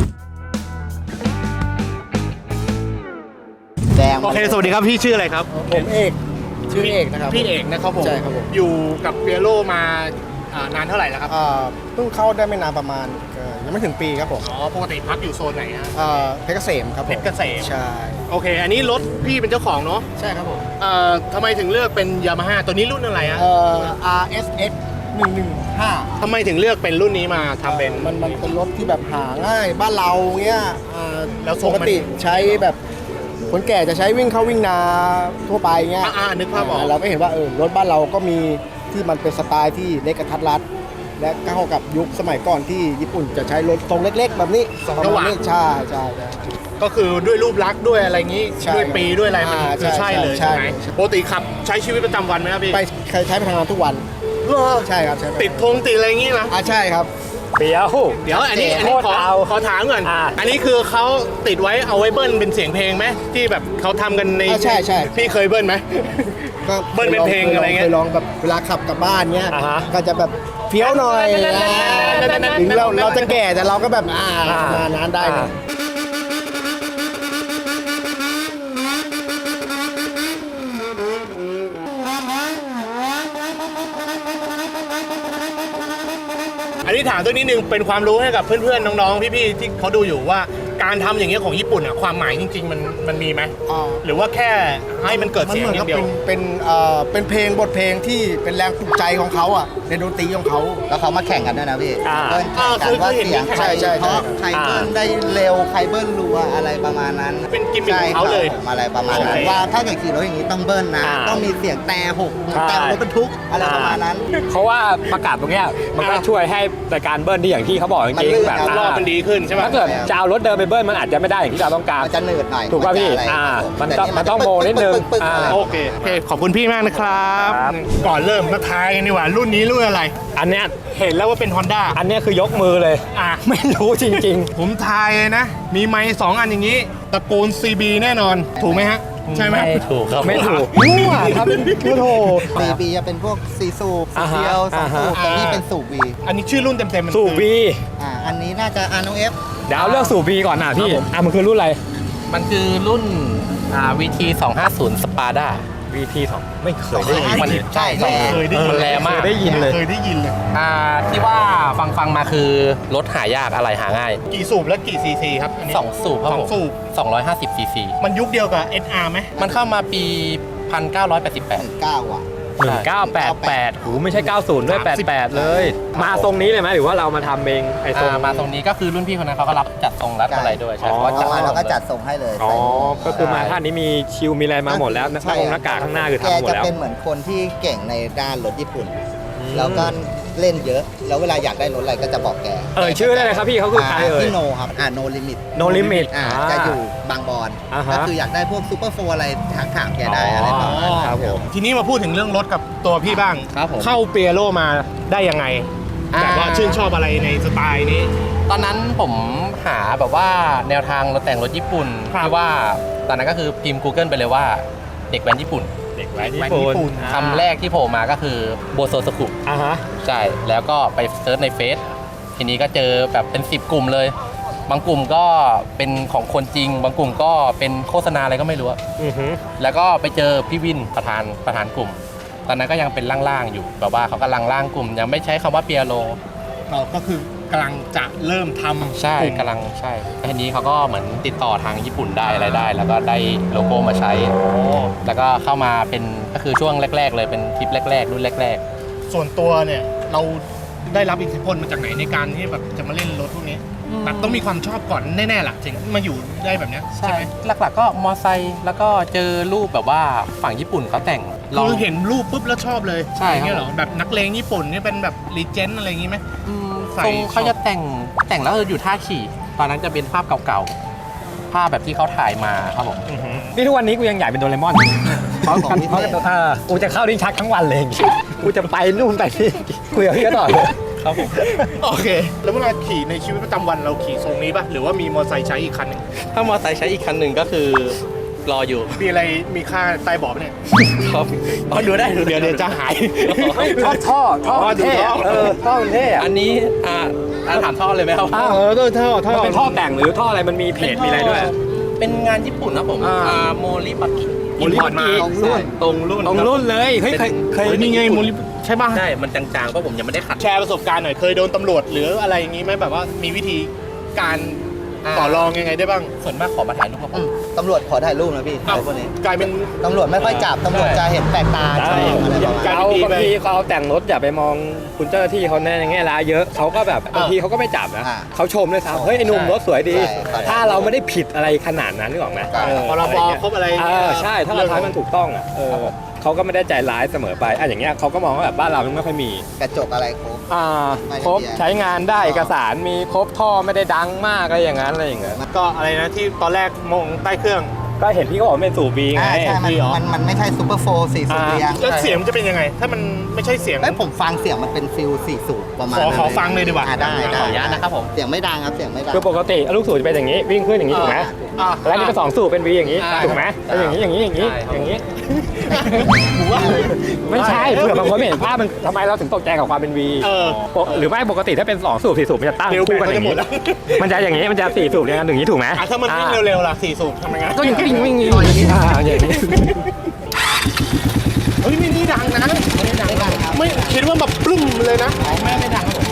Speaker 3: แดง
Speaker 1: โอเคสวัสดีครับพี่ชื่ออะไรครับ
Speaker 4: ผมเอกชื่อเอกนะครับ
Speaker 1: พี่เอกนะครับผม
Speaker 4: ใช่ครับผม
Speaker 1: อยู่กับเปียโรมาอ่านานเท่าไหร่แล้วครับ
Speaker 4: อ่าเพิ่งเข้าได้ไม่นานประมาณเอ่อยังไม่ถึงปีครับผม
Speaker 1: อ๋อปกติพักอยู่โซนไหนฮะ
Speaker 4: อ่าเพชรเกษมครับผม
Speaker 1: เพชรเกษม
Speaker 4: ใช่
Speaker 1: โอเค อันนี้รถพี่เป็นเจ้าของเนาะ
Speaker 4: ใช่ครับผม
Speaker 1: เอ่อทำไมถึงเลือกเป็นยามาฮ่าตัวนี้รุ่นอะไรฮะ
Speaker 4: เอ่อ อาร์ เอส เอ็กซ์ หนึ่งหนึ่งห้า
Speaker 1: ทำไมถึงเลือกเป็นรุ่นนี้มาทำเป็น
Speaker 4: มันมันเป็นรถที่แบบหาง่ายบ้านเราเงี้ยอ่า
Speaker 1: แล้วทร
Speaker 4: ป
Speaker 1: ง
Speaker 4: ก
Speaker 1: มัน
Speaker 4: ติใช้แบบคนแก่จะใช้วิ่งเข้าวิ่งนาทั่วไปเงี้ย
Speaker 1: อ่าๆนึกภาพออก
Speaker 4: เราก็เห็นว่าเออรถบ้านเราก็มีที่มันเป็นสไตล์ที่เล็กกระทัดรัด และเข้ากับยุคสมัยก่อนที่ญี่ปุ่นจะใช้รถทรงเล็ก ๆ แบบนี้
Speaker 1: สอง
Speaker 4: ประ
Speaker 1: จังห
Speaker 4: มาณ
Speaker 1: วะ
Speaker 4: นี้ใช่ใช่ใช่
Speaker 1: ก็คือด้วยรูปลักษณ์ด้วยอะไรงี้
Speaker 4: ใช่
Speaker 1: ด้วยปีด้วยอะไรมัน
Speaker 4: อ่า
Speaker 1: คือ
Speaker 4: ใช่
Speaker 1: ใช่เลย
Speaker 4: ใช่
Speaker 1: ใช่ไหม
Speaker 4: ใช่
Speaker 1: ปกติขับใช้ชีวิตประจำวันไหมครับพี่
Speaker 4: ไปใช้ใช้ไปทำงานทุกวัน
Speaker 1: เหรอ
Speaker 4: ใช่ครับใช่ไป
Speaker 1: ติดธงติดอะไรงี้นะ
Speaker 4: อ่าใช่ครับ
Speaker 2: เปียว
Speaker 1: เดี๋ยวอันนี้อันนี้
Speaker 2: โคตร
Speaker 1: ขอ
Speaker 2: เอา
Speaker 1: ขอถามก่อน
Speaker 2: อ่า
Speaker 1: อันนี้คือเขาติดไว้เอาไว้เบิ้ลเป็นเสียงเพลงไหมที่แบบเขาทำกันใน
Speaker 4: อ่าใช่ใช่
Speaker 1: พี่เคยเบิ้ลไหม
Speaker 4: ก็
Speaker 1: เบิ้ลเป็นเพลงอะไรเงี้ย
Speaker 4: เคยลองแบบเวลาขับกลับบ้านเงี้ย
Speaker 2: อ่าฮะ
Speaker 4: ก็จะแบบเฟี้ยวหน่อยถึงเราเราจะแก่แต่เราก็แบบอ่ามานั้นได้เลย
Speaker 1: อันนี้ถามตัวนิดนึงเป็นความรู้ให้กับเพื่อนๆน้องๆพี่ๆที่เขาดูอยู่ว่าการทำอย่างเงี้ยของญี่ปุ่นอ่ะความหมายจริง ๆ มันมันมีไหม
Speaker 4: อ่า
Speaker 1: หรือว่าแค่ให้มันเกิด
Speaker 4: มัน
Speaker 1: เสียง
Speaker 4: เหมือน
Speaker 1: อ
Speaker 4: กับ
Speaker 1: ย่างเดียว
Speaker 4: เป็นเป็นเอ่อเป็นเพลงบทเพลงที่เป็นแรงปลุกใจของเขาอ่ะในดนตรีของเขา
Speaker 3: แล้วเขามาแข่งกันด้วยนะพี่
Speaker 2: อ่า
Speaker 3: เบิ้ลแข่งกันว่าเสียงใคร
Speaker 4: ใช่ใช่
Speaker 3: เพราะใครเบิ้ลได้เร็วใครเบิ้ลรัวอะไรประมาณนั้น
Speaker 1: เป็นกิมมิคของเขาเลย
Speaker 3: ใช่ครับอะไรประมาณนั้น
Speaker 1: โอเค
Speaker 3: ว่าถ้าเกิดขี่รถอย่างนี้ต้องเบิ้ลนะ
Speaker 2: อ่า
Speaker 3: ต้องมีเสียงแต่หก
Speaker 2: ใช่
Speaker 3: แต่รถบรรทุกอะไรประมาณนั้น
Speaker 2: เพราะว่าประกาศตรงเนี้ยมันก็ช่วยให้รายการเบิ้ลที่อย่างที่เขาบอกจ
Speaker 3: มัน
Speaker 2: ริง
Speaker 3: ลื่น
Speaker 2: ๆแบบ
Speaker 3: เอา
Speaker 1: รอบมันดีขึ้นใช่ไหม
Speaker 2: ถ้าเกิดจะเอารถเดินไปเบิ้ลมันอาจจะไม่ได้อย่างที่เราต้องการ
Speaker 3: มันจะหนืดหน่อย
Speaker 2: ถูกป่ะพี่
Speaker 3: นจอะไร
Speaker 2: อ่า
Speaker 3: ครับผ
Speaker 2: มัน
Speaker 3: แต่
Speaker 2: ต้องมันต้องโมนิดนึง
Speaker 3: ปึ๊กๆๆๆอะไร
Speaker 2: อ่า
Speaker 1: โอเคโอเค ขอบคุณพี่มากนะครับ
Speaker 2: ครับ
Speaker 1: ก่อนเริ่มมาทายกันดีกว่ารุ่นนี้รุ่นอะไร
Speaker 2: อันเนี้ย
Speaker 1: เห็นแล้วว่าเป็น Honda
Speaker 2: อันเนี้ยคือยกมือเลย
Speaker 1: อ่ะ
Speaker 2: ไม่รู้จริง
Speaker 1: ผมทายเลยนะ มีไม้สองอันอย่างนี้ ตระกูล ซี บี แน่นอน ถูกไหมฮะ ใช่ไหม
Speaker 2: ไม่ถูกครับไม่ถูกมั่วครับโอ้โห
Speaker 3: ซีบีจะเป็นพวกซีสูบสู
Speaker 2: อ่า
Speaker 3: บ
Speaker 2: ฮะ
Speaker 3: เดียวสองสูบ
Speaker 1: อ่าฮะ
Speaker 3: แต่นี่เป็นสูบวี
Speaker 1: อันนี้ชื่อรุ่นเต็มๆมัน
Speaker 2: สูบ
Speaker 1: คือ
Speaker 2: วี
Speaker 3: อ่าอันนี้น่าจะอาโนเอฟ
Speaker 2: เดี๋ยวเอาเลือกสูบวีก่อนนะพี่อ่ะมันคือรุ่นอะไร
Speaker 5: มันคือรุ่นอ่า วี ที สองห้าศูนย์ Spada
Speaker 2: วี ที สองไม่เคยได้ยิน
Speaker 5: มันใช่
Speaker 3: ใช่
Speaker 1: เคยได้ยิน
Speaker 5: มันแรงมาก
Speaker 2: เคยได้ยินเลย
Speaker 1: เคยได้ยินเลย
Speaker 5: อ่าที่ว่าฟังฟังมาคือรถหายากอะไรหาง่าย
Speaker 1: กี่สูบและกี่ซีซีครับอันนี้
Speaker 5: สองสูบครับ
Speaker 1: สอ
Speaker 5: ผ
Speaker 1: ง
Speaker 5: ม
Speaker 1: สูบ
Speaker 5: สองร้อยห้าสิบซีซี
Speaker 1: มันยุคเดียวกับ เอส อาร์ ไหม
Speaker 5: มันเข้ามาปี หนึ่งพันเก้าร้อยแปดสิบแปด
Speaker 3: หนึ่งเก้าอ่ะ
Speaker 2: หนึ่งเก้าแปดแปดหูไม่ใช่เก้าศูนย์ด้วยแปดแปดเลย มาทรงนี้เลยไหมหรือว่าเรามาทำเองไอ้ทรง
Speaker 5: อ่ามาตรงนี้ก็คือรุ่นพี่คนนั้นเขาก็รับจัดทรงรับอะไรด้วยใช่
Speaker 2: อ๋อ
Speaker 5: เพราะว่าจัด
Speaker 3: มา
Speaker 5: ให้
Speaker 3: เรา
Speaker 5: หม
Speaker 3: ก็
Speaker 5: ดเลย
Speaker 3: จัดส่งให้เลย
Speaker 2: อ๋อ
Speaker 3: ใส่
Speaker 2: ก็คือมาท่านนี้มีชิลมีอะไรมาหมดแล้วหน้า
Speaker 3: ใช่
Speaker 2: องค์หน้ากากข้างหน้าคือทำหมด
Speaker 3: แก
Speaker 2: แล้ว
Speaker 3: จะเป็นเหมือนคนที่เก่งในด้านรถญี่ปุ่น
Speaker 2: อืม
Speaker 3: แล้วก็เล่นเยอะ แล้วเวลาอยากได้รถอะไรก็จะบอกแก
Speaker 2: เอ่ยชื่อได้เลยครับพี่เขาคือใครเอ่ย
Speaker 3: พี่โนครับ อ่าโนลิมิต
Speaker 2: No Limit
Speaker 3: อ่า
Speaker 2: อ่า
Speaker 3: จะอยู่บางบอน
Speaker 2: อ่าฮะ
Speaker 3: ก็คืออยากได้พวกซูเปอร์โฟร์อะไรถามถามแกได้อะไรประมาณนั้น
Speaker 2: ครับผม
Speaker 1: ทีนี้มาพูดถึงเรื่องรถกับตัวพี่บ้าง
Speaker 5: ครับผม
Speaker 1: เข้าเปียโรมาได้ยังไง
Speaker 5: อ่า
Speaker 1: แบบว่าชื่นชอบอะไรในสไตล์นี้
Speaker 5: ตอนนั้นผมหาแบบว่าแนวทางรถแต่งรถญี่ปุ่น
Speaker 1: ครับ
Speaker 5: ที่ว่าตอนนั้นก็คือพิมพ์ Google ไปเลยว่าเด็กแว้นญี่ปุ่น
Speaker 2: เด็กแว้น
Speaker 1: แว้น
Speaker 2: ญี่
Speaker 1: ญี่ปุ่
Speaker 2: ปุ่น
Speaker 1: น
Speaker 5: คำแรกที่โผล่มาก็คือโบโซสกุ
Speaker 2: อ่าฮะ
Speaker 5: ใช่ แล้วก็ไปเซิร์ชในเฟซทีนี้ก็เจอแบบเป็นสิบกลุ่มเลย บางกลุ่มก็เป็นของคนจริง บางกลุ่มก็เป็นโฆษณาอะไรก็ไม่รู้อะ
Speaker 2: อือฮึ
Speaker 5: แล้วก็ไปเจอพี่วินประธานประธานกลุ่ม ตอนนั้นก็ยังเป็นล่างๆอยู่แบบว่าเขากำลังล่างกลุ่ม ยังไม่ใช้คำว่าเปียโร
Speaker 1: เราก็คือกำลังจะเริ่มทำ
Speaker 5: ใช่
Speaker 1: กลุ่ม
Speaker 5: กำลังใช่ทีนี้เขาก็เหมือนติดต่อทางญี่ปุ่นได้อะไรได้ แล้วก็ได้โลโก้มาใช้ แล้วก็เข้ามาเป็นก็คือช่วงแรก ๆ เลยเป็นทริปแรก ๆ รุ่นแรก
Speaker 1: ส่วนตัวเนี่ยเราได้รับอิทธิพลมาจากไหนในการที่แบบจะมาเล่นรถพวกนี้แบบต้องมีความชอบก่อนแน่ๆล่ะถึงมาอยู่ได้แบบเนี้ย
Speaker 5: ๆ
Speaker 1: ใช่
Speaker 5: ใช่
Speaker 1: ไหม
Speaker 5: หลักๆก็มอไซค์แล้วก็เจอรูปแบบว่าฝั่งญี่ปุ่นเขาแต่งลอง
Speaker 1: คือเห็นรูปปุ๊บแล้วชอบเลย
Speaker 5: ใช่ครับ
Speaker 1: อย่างเงี้ยเหรอแบบนักเลงญี่ปุ่นนี่เป็นแบบรีเจนต์อะไรอย่างงี้ไหม
Speaker 5: อืม
Speaker 1: ใส่
Speaker 5: ทรงเขา
Speaker 1: ช็อป
Speaker 5: จะแต่งแต่งแล้วเอออยู่ท่าขี่ ตอนนั้นจะเป็นภาพเก่าๆ ภาพแบบที่เขาถ่ายมาครับผม
Speaker 2: นี่ทุกวันนี้กูยังอยากเป็นโดเรมอนเพราะ
Speaker 3: ของพิเศษ
Speaker 2: เพราะเออกูจะเข้าดิ้นชักทั้งวันเลยกูจะไปนู่นไปนี่คุยกับพี่ก็ต่อเลย
Speaker 5: ครับผม
Speaker 1: โอเค แล้วเวลาขี่ในชีวิตประจำวันเราขี่ทรงนี้ป่ะหรือว่ามีมอเตอร์ไซค์ใช้อีกคันหนึ่ง
Speaker 5: ถ้ามอไซค์ใช้อีกคันหนึ่งก็คือรออยู่
Speaker 1: มีอะไรมีค่าใต้เบาะปะเนี่ย
Speaker 5: ครับอ๋อดูได้ดูได้
Speaker 1: เดี๋ยวเดี๋ยวจะหาย
Speaker 2: ท่อท่อท่อมันเท่อะเออท่อมันเท่อะ
Speaker 5: อันนี้อ่าอ่าถามท่อเลยไหมครับ
Speaker 2: อ้าว
Speaker 1: เออท่อท่อ
Speaker 2: มันเป็นท่อแต่งหรือท่ออะไรมันมีเพจมีอะไรด้วย
Speaker 5: เป็นงานญี่ปุ่นนะผม
Speaker 2: อ่า
Speaker 5: อ่าโมริบักิ
Speaker 2: โมริบักิ
Speaker 5: ตรงรุ่นตรงรุ่น
Speaker 2: ตรงรุ่นเลยเฮ้ยเคยเคย
Speaker 1: เฮ้ยนี่ไงมูลใช่ป่ะ
Speaker 5: ใช่ มันจางๆเพราะผมยังไม่ได้ขัด
Speaker 1: แชร์ประสบการณ์หน่อยเคยโดนตำรวจหรืออะไรอย่างงี้ไหมแบบว่ามีวิธีการ
Speaker 5: อ่า
Speaker 1: ต่อรองยังไงได้บ้าง
Speaker 5: ส่วนมากขอมาถ่ายรูปกับผ
Speaker 3: อื
Speaker 5: ม
Speaker 3: มตำรวจขอถ่ายรูปนะพี่
Speaker 1: อ้าว
Speaker 3: ไอ้พวกนี้
Speaker 1: กลายเป็น
Speaker 3: ตำรวจไม่ค่อยจับ ตำรวจจะเห็นแปลกตา
Speaker 2: ใช่
Speaker 3: ชอบอะไรประมาณนั้น
Speaker 2: เขาบางทีเขาเอาแต่งรถอย่าไปมองคุณเจ้าหน้าที่เขาในแง่ร้ายเยอะเขาก็แบบบางทีเขาก็ไม่จับนะ
Speaker 3: อ่า
Speaker 2: เขาชมด้วยซ้ำเฮ้ยไอ้หนุ่มรถสวยดี
Speaker 3: ใช่
Speaker 2: ถ้าเราไม่ได้ผิดอะไรขนาดนั้นนึกออกไหม
Speaker 3: ใช่
Speaker 2: เออ
Speaker 1: พรบ
Speaker 2: อะไเงี้ย
Speaker 1: ครบอะไร
Speaker 2: เออใช่ถ้าเราทำให้มันถูกต้องอ่ะเออเขาก็ไม่ได้ใจร้ายเสมอไปอ่ะอย่างเงี้ยเขาก็มองว่าแบบบ้านเรามันไม่ค่อยมี
Speaker 3: กระจกอะไรครบ
Speaker 2: อ่า
Speaker 3: ไม่
Speaker 2: ครบ
Speaker 3: ได้เบียร์
Speaker 2: ใช้งานได้เอกสารมีครบท่อไม่ได้ดังมากอะไรอย่างนั้นอะไรอย่างเงี้ย
Speaker 1: ก็อะไรนะที่ตอนแรกมองใต้เครื่อง
Speaker 2: ก็เห็นพี่เขาบอกเป็นสูบบีไง
Speaker 3: อ่าใช่มัน
Speaker 1: มีเหรอ
Speaker 3: มันมันไม่ใช่ซูเปอร์โฟร์สี่สูบเรียง
Speaker 1: แล้วเสียงมันจะเป็นยังไง ถ้ามันไม่ใช่เสียง
Speaker 3: เอ้ยผมฟังเสียงมันเป็นฟิลสี่สูบประมาณ
Speaker 1: ขอ
Speaker 3: นั้น
Speaker 1: ขอฟังเลยดีกว่า
Speaker 3: อ่าได้ได้
Speaker 5: ขออนุญาตนะครับผม
Speaker 3: เสียงไม่ดังครับเสียงไม่ดัง
Speaker 2: คือปกติลูกสูบจะเป็นอย่างนี้วิ่งขึ้นอย่างนี้ถูกไหม
Speaker 1: อ่า
Speaker 2: แล้วนี่เป็นสองสูบเป็นวีอย่างนี้
Speaker 5: อ่า
Speaker 2: ถูกไหมเป็นอย่างนี้อย่างนี้อย่างนี้
Speaker 5: ใช่ครับ
Speaker 2: อย่างนี้
Speaker 1: ผมว่า
Speaker 2: ไม่ใช่เผื่อบางคนไม่เห็นภาพมันทำไมเราถึงตกใจกับความเป็นวี
Speaker 1: เออ
Speaker 2: หรือไม่ปกติถ้าเป็นสองสูบสี่สูบมันจะตั้ง
Speaker 1: เร็ว
Speaker 2: คู่กัน
Speaker 1: แบต
Speaker 2: อย่าง
Speaker 1: ก็จะหม
Speaker 2: นี้
Speaker 1: ดแล้ว
Speaker 2: มันจะอย่างนี้มันจะสี่สูบอย่างนั้นอย่างนี้ถูกไหม
Speaker 1: อ่ะถ้ามันวิ่งเร็วๆล่ะสี่สูบทำยังไง
Speaker 2: ก็ยังวิ่งวิ่งอย่างนี้อ่าอย่างนี้
Speaker 1: เฮ้ยไม่นี่ดังนะ
Speaker 3: ไม่ดังครับ
Speaker 1: ไม่คิดว่าแบบปึ้มเลยนะ
Speaker 3: ไม่ไม่ดังครับผม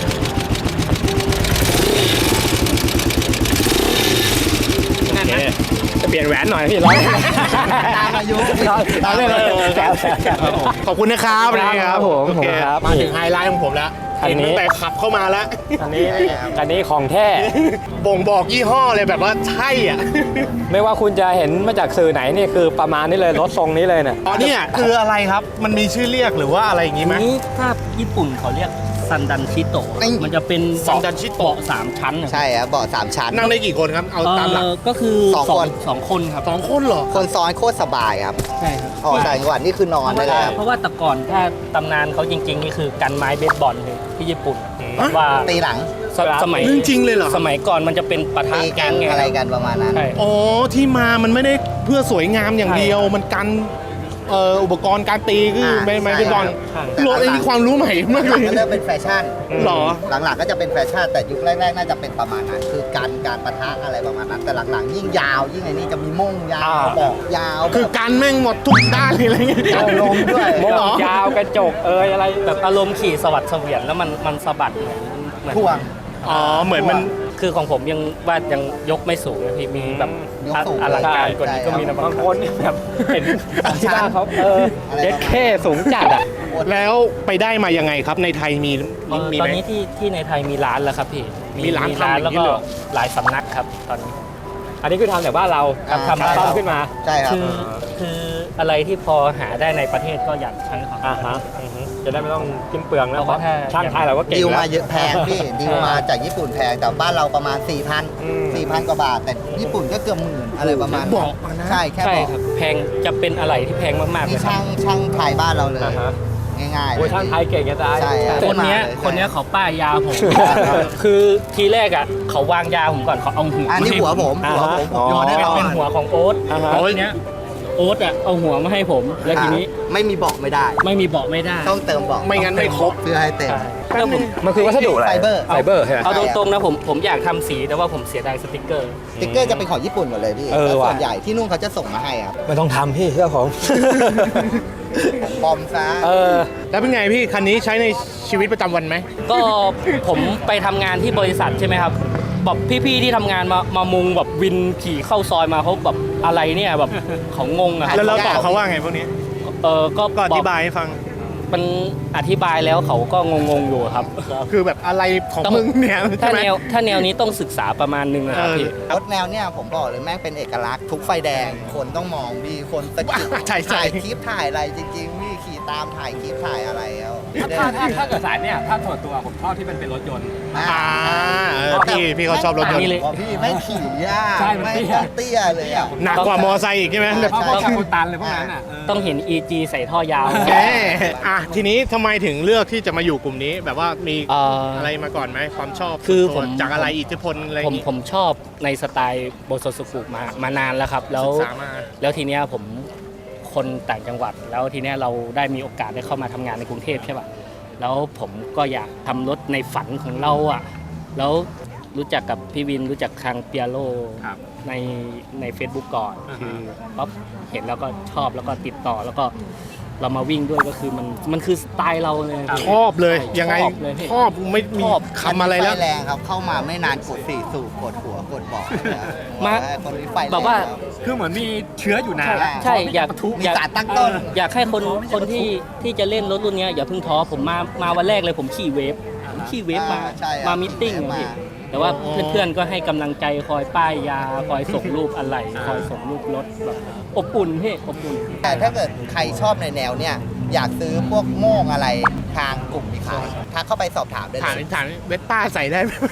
Speaker 2: โอเคจะเปลี่ยนแหวนหน่อยพี่ร้อย
Speaker 3: ตามอายุ
Speaker 2: ตามเลยเลยแซวแซวแซว
Speaker 1: ขอบคุณนะครับ
Speaker 2: ครับผม
Speaker 1: โอเค
Speaker 2: ครับ
Speaker 1: มาถึงไฮไลท์ของผมแล้ว
Speaker 2: อันนี้
Speaker 1: เห็นตั้งแต่ขับเข้ามาแล้ว
Speaker 2: อันนี้อันนี้ของแท้
Speaker 1: บ่งบอกยี่ห้อเลยแบบว่าใช่อ่ะ
Speaker 2: ไม่ว่าคุณจะเห็นมาจากสื่อไหนนี่คือประมาณนี้เลยรถทรงนี้เลยเนี่ย
Speaker 1: อ๋อเนี่ยคืออะไรครับ มันมีชื่อเรียกหรือว่าอะไรอย่างงี้ไหม
Speaker 6: นี้ถ้าญี่ปุ่นเขาเรียกซันดันชิโตะมันจะเป็น
Speaker 1: ซันดันชิโตะ
Speaker 6: เบาะสามชั้นนะ
Speaker 3: ใช่ครับเบาะสามชั้น
Speaker 1: นั่งได้กี่คนครับ เอาตามหลัก
Speaker 6: เอ่อก็คือ
Speaker 3: สองคน
Speaker 6: สองคนครับ
Speaker 1: สองคนเหรอ
Speaker 3: คนซ้อนโคตรสบายครับ
Speaker 6: ใช่ครับ
Speaker 3: ออกต่างจังหวัดนี่คือนอนได้เลยครับ
Speaker 6: เพราะว่าแต่ก่อนถ้าตำนานเขาจริงๆนี่คือกันไม้เบสบอลเลยที่ญี่ปุ่น
Speaker 1: อืม
Speaker 6: ว่า
Speaker 3: ตีหลัง
Speaker 6: สสมัย
Speaker 1: เรื่องจริงเลยเหรอ
Speaker 6: สมัยก่อนมันจะเป็นปะทะ
Speaker 3: ตีกั
Speaker 6: แก๊
Speaker 3: น
Speaker 6: งไง
Speaker 3: อะไรกันประมาณนั้น
Speaker 6: ใช่
Speaker 1: อ๋อที่มามันไม่ได้เพื่อสวยงามอย่างเดียว
Speaker 6: ใช่
Speaker 1: มันกันเอ่ออุปกรณ์การตีคือ
Speaker 3: อ่า
Speaker 1: ไม่ไม่
Speaker 3: ใช่
Speaker 1: เป็นบอล
Speaker 6: ใช่
Speaker 1: โลไอ้นี่ความรู้ใหม่มาก
Speaker 3: ห
Speaker 1: เล
Speaker 3: ลัง
Speaker 1: ย
Speaker 3: ก็เริ่มเป็นแฟชั่น
Speaker 1: หรอ
Speaker 3: หลังๆก็จะเป็นแฟชั่นแต่ยุคแรกๆน่าจะเป็นประมาณนั้นคือการการปะทะอะไรประมาณนั้น แต่หลังๆยิ่งยาวยิ่งไอ้นี่จะมีม่งยาว
Speaker 2: อ่า
Speaker 3: บอกยาว
Speaker 1: คือ
Speaker 3: แบบ
Speaker 1: กันแม่งหมดทุกด้านเลยอะไรเงี้ย
Speaker 3: เอาลงด้วย
Speaker 2: โม่ง
Speaker 1: เหรอ
Speaker 2: ยาวกระจกเอยอะไร
Speaker 6: แบบอารมณ์ขี่สวัสดเสวียนแล้วมันมันสะบัดเหมือนเหมือน
Speaker 3: ท่วง
Speaker 1: อ๋อเหมือนมัน
Speaker 6: คือของผมยังว่ายังยกไม่สูงเลยพี่มีแบบ
Speaker 3: ยกสูง
Speaker 6: อลังการกว่านี้ก็มีนะ
Speaker 2: บางคนเนี่ยแบบเห็นที่บ้านเขาเออ
Speaker 3: อะไร
Speaker 2: เด็ด
Speaker 3: ประมาณ
Speaker 2: เข้สูงจัดอ่ะ
Speaker 1: แล้วไปได้มายังไงครับในไทยมี
Speaker 6: เอ่อ
Speaker 1: มี
Speaker 6: ตอน
Speaker 1: ไหม
Speaker 6: นี้ที่ที่ในไทยมีร้านแล้วครับพี่
Speaker 1: มีร้านทำอย่างนี้
Speaker 6: แล้วก็
Speaker 1: เลยเหรอ
Speaker 6: หลายสำนักครับตอนนี้
Speaker 2: อันนี้คือทำแต่บ้านเรา
Speaker 3: อ่า
Speaker 2: ทำต้อมขึ้นมา
Speaker 3: ใช่ครับ
Speaker 6: คือคืออะไรที่พอหาได้ในประเทศก็อยากใช้ครับ
Speaker 2: อ่าฮะอือฮึจะได้ไม่ต้องกินเปลืองนะ
Speaker 6: เพ
Speaker 2: เพ
Speaker 6: ราะ
Speaker 2: ราะ
Speaker 6: ว่าถ้า
Speaker 2: ช่างไทยเราก็เก่ง
Speaker 3: ดีล
Speaker 2: แล้
Speaker 3: มาว เยอะแพงพี่ดีลมาจากญี่ปุ่นแพงแต่บ้านเราประมาณ 4 0 0 0
Speaker 2: อืม
Speaker 3: 4 0 0 0 กว่าบาท แต่ญี่ปุ่นก็เกือบหมื่นอะไรประมาณนั้น
Speaker 1: บอกมานะ
Speaker 3: ใช่แค่
Speaker 6: ใช่
Speaker 3: บอก
Speaker 6: ครับแพงจะเป็นอะไรที่แพงมากๆเล
Speaker 3: นี่
Speaker 6: ยครั
Speaker 3: ช่า
Speaker 6: บ
Speaker 3: งช่างไทยบ้านเราเลย
Speaker 2: อ่าฮะ
Speaker 3: ง่ายๆเล
Speaker 2: โอ้ย
Speaker 3: ย
Speaker 2: ช่างไทยเก่งจะตาย
Speaker 3: ใช่ครับ
Speaker 6: คนเนี้ย
Speaker 3: ใช่
Speaker 6: คนเนี้ยเขาป้ายยาผม คือทีแรกอ่ะเขาวางยาผมก่อนเขาเอาหัว
Speaker 3: อันนี้หัวผม
Speaker 2: อ่า
Speaker 3: หัว
Speaker 2: ฮะ
Speaker 3: ผมผม
Speaker 2: อ๋อ
Speaker 3: โยนได้
Speaker 6: เป็น
Speaker 3: ก่อ
Speaker 6: เป็น
Speaker 3: น
Speaker 6: หัวของโอ๊ต
Speaker 2: อ่าฮะ
Speaker 6: แล้วทีเนี้ยโอ๊ตอ่ะเอาหัวมาให้ผม แล้วทีนี้
Speaker 3: ไม่มีเบอกไม่ได้
Speaker 6: ไม่มีเบาะไม่ได้
Speaker 3: ต้องเติมเบอก
Speaker 1: ไม่งั้นไม่ครบ
Speaker 3: เพื่อให้เต็ม
Speaker 6: ใช่แล้วผม
Speaker 2: มันคือวัสดุอะไร
Speaker 3: ไฟเบอร์
Speaker 2: ไฟเบอร์ใช่ไหม
Speaker 6: เอาตรงๆนะผมผมอยากทำสีแต่ว่าผมเสียดายสติกเกอร์
Speaker 3: สติ๊กเกอร์จะเป็นของญี่ปุ่นหมดเลยพี่
Speaker 2: เออ
Speaker 3: แล้วส่
Speaker 2: ว่ะ
Speaker 3: วนใหญ่ที่นู่นเขาจะส่งมาให้ครับ
Speaker 2: ไม่ต้องทำพี่เชื่อผม
Speaker 3: ปลอมซะ
Speaker 2: เออ
Speaker 1: แล้วเป็นไงพี่คันนี้ใช้ในชีวิตประจำวันไหม
Speaker 6: ก็ผมไปทำงานที่บริษัทใช่ไหมครับแบบพี่ๆที่ทำงานมามามุงแบบวินขี่เข้าซอยมาเขาแบบอะไรเนี่ยแบบเขางงอะครับ
Speaker 1: แล้วเราตอบเขาว่าไงพวกนี้
Speaker 6: เออก็
Speaker 1: ก็อ
Speaker 6: บอก
Speaker 1: ธิบายให้ฟัง
Speaker 6: มันอธิบายแล้วเขาก็งงๆอยู่ครับ
Speaker 1: คือแบบอะไรของ
Speaker 6: ต้อง
Speaker 1: มึงเนี่ย
Speaker 6: ถ้า
Speaker 1: ใช่ไหม
Speaker 6: แนวถ้าแนวนี้ต้องศึกษาประมาณนึงนะครับ
Speaker 1: เออ
Speaker 6: พี่
Speaker 3: รถแนวเนี่ยผมบอกเลยแม่งเป็นเอกลักษณ์ทุกไฟแดง คนต้องมองมีคนสะกิด
Speaker 1: ใช่ใช่
Speaker 3: ถ่ายคลิปถ่ายอะไรจริงๆพี่ขี่ตามถ่ายคลิปถ่ายอะไรแล้ว
Speaker 2: ถ้าถ้าถ้าเกิดสายเนี่ยถ้าส่วนตัวผมชอบที่มันเป็นรถยนต์
Speaker 1: อ่าเออพี่พี่เขาชอบรถยนต์
Speaker 6: เลย
Speaker 3: บอกพี่ไม่งขี่ยาก
Speaker 2: ใช่มัน
Speaker 3: ไม่
Speaker 2: เตี้ย
Speaker 3: ต้องเตี้ยเลยอ่ะ
Speaker 1: หนักกว่ามอไซค์อีกใช่ไหม
Speaker 3: ใช่
Speaker 2: เพราะว่าคุณตันเลยพวกนั้นอ่ะ
Speaker 6: ต้องเห็น อี จี ใส่ท่อยาว
Speaker 1: แหมอ่ะทีนี้ทำไมถึงเลือกที่จะมาอยู่กลุ่มนี้ แบบว่ามี
Speaker 6: เอ่อ
Speaker 1: อะไรมาก่อนไหมความชอบ
Speaker 6: คือผม
Speaker 1: จากอะไรอิทธิพลอะไรอ
Speaker 6: ผม
Speaker 1: ย่างงี้
Speaker 6: ผมชอบในสไตล์โบโซสุกุมามานานแล้วครับ แล้ว
Speaker 1: ศึกษามา
Speaker 6: แล้วทีเนี้ยผมคนต่างจังหวัด แล้วทีเนี้ยเราได้มีโอกาสได้เข้ามาทำงานในกรุงเทพใช่ป่ะแล้วผมก็อยากทำรถในฝันของเราอ่ะแล้วรู้จักกับพี่วินรู้จักทางเปียโล
Speaker 2: ครับ
Speaker 6: ในใน Facebook ก่อน
Speaker 2: อ่าฮะ
Speaker 6: คือป๊อปเห็นแล้วก็ชอบแล้วก็ติดต่อแล้วก็เรามาวิ่งด้วยก็คือมันมันคือสไตล์เราเลย
Speaker 1: ชอบเลยยังไง
Speaker 6: ชอบเลยพี่
Speaker 1: ชอบไม่มี
Speaker 6: ชอบ
Speaker 1: คำอะไรแล้ว
Speaker 3: ฟแรงครับเข้ามาไม่นานกดสี่สูบกดหัวกดเบอก
Speaker 6: มา
Speaker 3: คนนี้ไฟรง
Speaker 6: แบบว่า
Speaker 3: ครั
Speaker 2: คือเหมือนมีเชื้ออยู่นาน
Speaker 3: ใช่
Speaker 6: ใช่อยาก
Speaker 3: มี
Speaker 6: อยาก
Speaker 3: สารตั้งต้น
Speaker 6: อยากให้คนคนที่ที่จะเล่นรถรุ่นเนี้ยอย่าเพิ่งท้อผมมามาวันแรกเลยผมขี่เวฟผมขี่เวฟมา
Speaker 3: อ่าใช่ครับ
Speaker 6: มามิทติ้ง
Speaker 3: ขี่เวฟ
Speaker 6: อะพี่
Speaker 3: มา
Speaker 6: แต่ว่า
Speaker 1: อ๋อ
Speaker 6: เพื่อนๆก็ให้กำลังใจคอยป้ายยาคอยส่งรูปอะไรคอยส่งรูปรถแบบอบอุ่นพี่อบอุ่น
Speaker 3: แต่ถ้าเกิดใครชอบในแนวเนี่ยอยากซื้อพวกโม่งอะไรทางกลุ่มมีขายทักเข้าไปสอบถามได้
Speaker 1: ถาม
Speaker 3: เลย
Speaker 1: ถามเวสป้าใส่ได้ไหม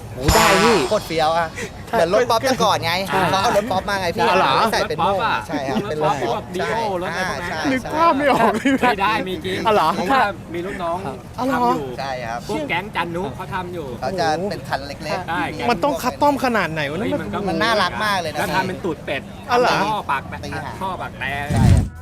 Speaker 3: โอ้ได้พี่โคตรเฟี้ยวอ่ะเหมือนรถป๊อปแต่ก่อนไงเขาเอารถป๊อปมาไงพี่
Speaker 1: อ๋อเหรอ
Speaker 3: ใส่เป็นโม่ใช่ครับเป็นรถป๊อป
Speaker 2: ดีโอรถอะไรพวกนั้น
Speaker 3: ใช่
Speaker 1: นึกภาพไม่ออก
Speaker 2: ไม่ได้มีจริง
Speaker 1: อ๋อเหรอ
Speaker 2: เพราะว่ามีลูกน้อง
Speaker 1: อ๋อเหรอ
Speaker 2: ทำอยู่
Speaker 3: ใช่ครับ
Speaker 2: พวกแก๊งจันนุเขาทำอยู่
Speaker 3: เขาจะเป็นคันเล็ก
Speaker 2: ใช่
Speaker 3: ๆ
Speaker 1: มันต้องคัสตอมขนาดไหนวะ
Speaker 2: เฮ้
Speaker 1: เนี่ย
Speaker 2: ยมันก็
Speaker 3: มันน่ารักมากเลยนะ
Speaker 2: แล้วทำเป็นตูดเป็ด
Speaker 1: อ๋อเหรอ
Speaker 2: ท่อปากแต
Speaker 3: ตีหาง
Speaker 2: ท่อปากแต่
Speaker 3: ใช่ครับ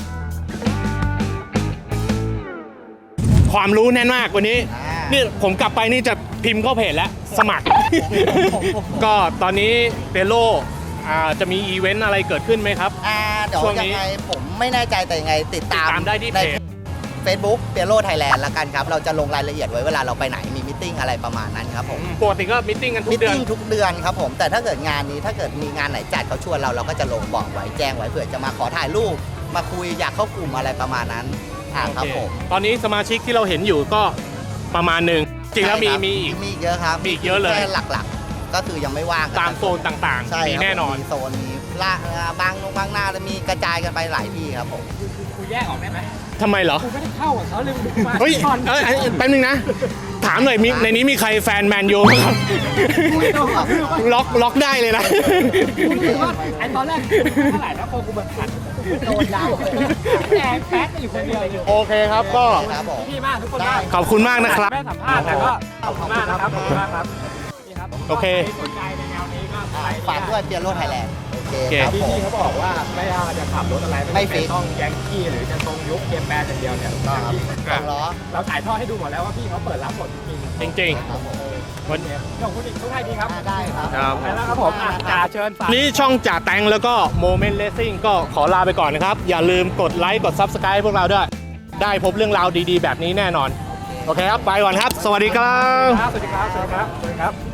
Speaker 1: ความรู้แน่นมากวันนี้
Speaker 3: อ่า
Speaker 1: นี่ผมกลับไปนี่จะพิมพ์เข้าเพจแล้วสมัคร ก็ตอนนี้เปโลอ่าจะมีอีเวนต์อะไรเกิดขึ้นไหมครับ
Speaker 3: อ่าเดี๋ยว
Speaker 1: ช่วง
Speaker 3: ยั
Speaker 1: นี้
Speaker 3: งไงผมไม่แน่ใจแต่ยังไงติดตาม
Speaker 1: ติดตามได้ที่เพจ
Speaker 3: เฟซบุ๊กเปียโรไทยแลนด์ละกันครับ เราจะลงรายละเอียดไว้เวลาเราไปไหนมีมิทติ้งอะไรประมาณนั้นครับผม
Speaker 1: ปกติก็มิทติ้งกันทุ
Speaker 3: มิ
Speaker 1: ก
Speaker 3: ท
Speaker 1: เดือน
Speaker 3: ติ้งทุกเดือนครับผมแต่ถ้าเกิดงานนี้ถ้าเกิดมีงานไหนจัดเขาชวนเราเราก็จะลงบอกไว้แจ้งไว้เผื่อจะมาขอถ่ายรูปมาคุยอยากเข้ากลุ่มอะไรประมาณนั้นอ่าครับผม
Speaker 1: ตอนนี้สมาชิกที่เราเห็นอยู่ก็ประมาณหนึ่งจริงแล้วมี
Speaker 3: ใช่คบ
Speaker 1: มีอีก
Speaker 3: มีอีกเยอะครับ
Speaker 1: มีอีกเยอะเลย
Speaker 3: แค่หลักๆ ก็คือยังไม่ว่างกัน
Speaker 1: ตามโซนต่าง
Speaker 3: ใช่
Speaker 1: ๆ มี
Speaker 3: ครับ
Speaker 1: แน่นอน
Speaker 3: มีโซนมีละบางนงบางหน้าแล้วมีกระจายกันไปหลายที่ครับผม
Speaker 2: กูแยกออกได้ไหม
Speaker 1: ทำไมเหรอ
Speaker 2: กูไม่ได้เข้ากับเขาเลยมึงมา
Speaker 1: เฮ้ย
Speaker 2: ก่อน
Speaker 1: เอ้ยเอ้ยแป๊บนึงนะ ถามหน่อยมีในนี้มีใครแฟนแมนยูไหมครับ ล็อกล็อกได้เลยนะ
Speaker 2: กูรู้สึกว่าไอ้ตอนแรกกูไม่เท่าไหร่นะพอกูมาขัดโดนดาวแดงแป๊ดอยู่คนเดียวอยู่
Speaker 1: โอเคครับก็
Speaker 3: ครับผม
Speaker 2: พี่มากทุกคนมาก
Speaker 1: ขอบคุณมากนะครับ
Speaker 2: ไม่ได้สัมภาษณ์แต่ก็ขอบคุณมากนะครับขอบคุณมากครับนี่ครับ
Speaker 1: โอเค
Speaker 2: ใครสนใจในแนวนี้ก็ไป
Speaker 3: ฝากด้วยเปียโรไทยแลนด์โอเค
Speaker 1: โอเค
Speaker 3: ครับ
Speaker 2: พี่
Speaker 3: ผม
Speaker 2: พี่เขาบอกว่าไม่ว่าจะขับรถอะไร
Speaker 3: ไม่
Speaker 2: ไม่
Speaker 3: ฟิ
Speaker 2: เป็น
Speaker 3: ก
Speaker 2: ต้องแยงกี้หรือจะตรงยุคเกมแบนอย่างเดียวเนี่ย
Speaker 3: ก็ครับสองล้อ
Speaker 2: เราถ่ายทอดให้ดูหมดแล้วว่าพี่เขาเปิดรับหมดจริง
Speaker 1: จริง
Speaker 3: ครับผม
Speaker 1: ๆวัน
Speaker 2: ๆขอบคุณอีกทุกท่านดีครับ
Speaker 3: อ่าได้ครับ
Speaker 1: ครับ
Speaker 2: ไปแล้วครับผมอ่ะจ่าเชิญฝาก
Speaker 1: นี้ช่องจ่าแตงแล้วก็โมเมนต์เลสซิ่งก็ขอลาไปก่อนนะครับ อย่าลืมกดไลค์กด Subscribe พวกเราด้วย ได้พบเรื่องราวดีๆ แบบนี้แน่นอน โอเคครับ ไปก่อนครับ สวัสดีครับ
Speaker 2: ครับสวัสดีครับ สวัสดีครับ สวัสดีครับ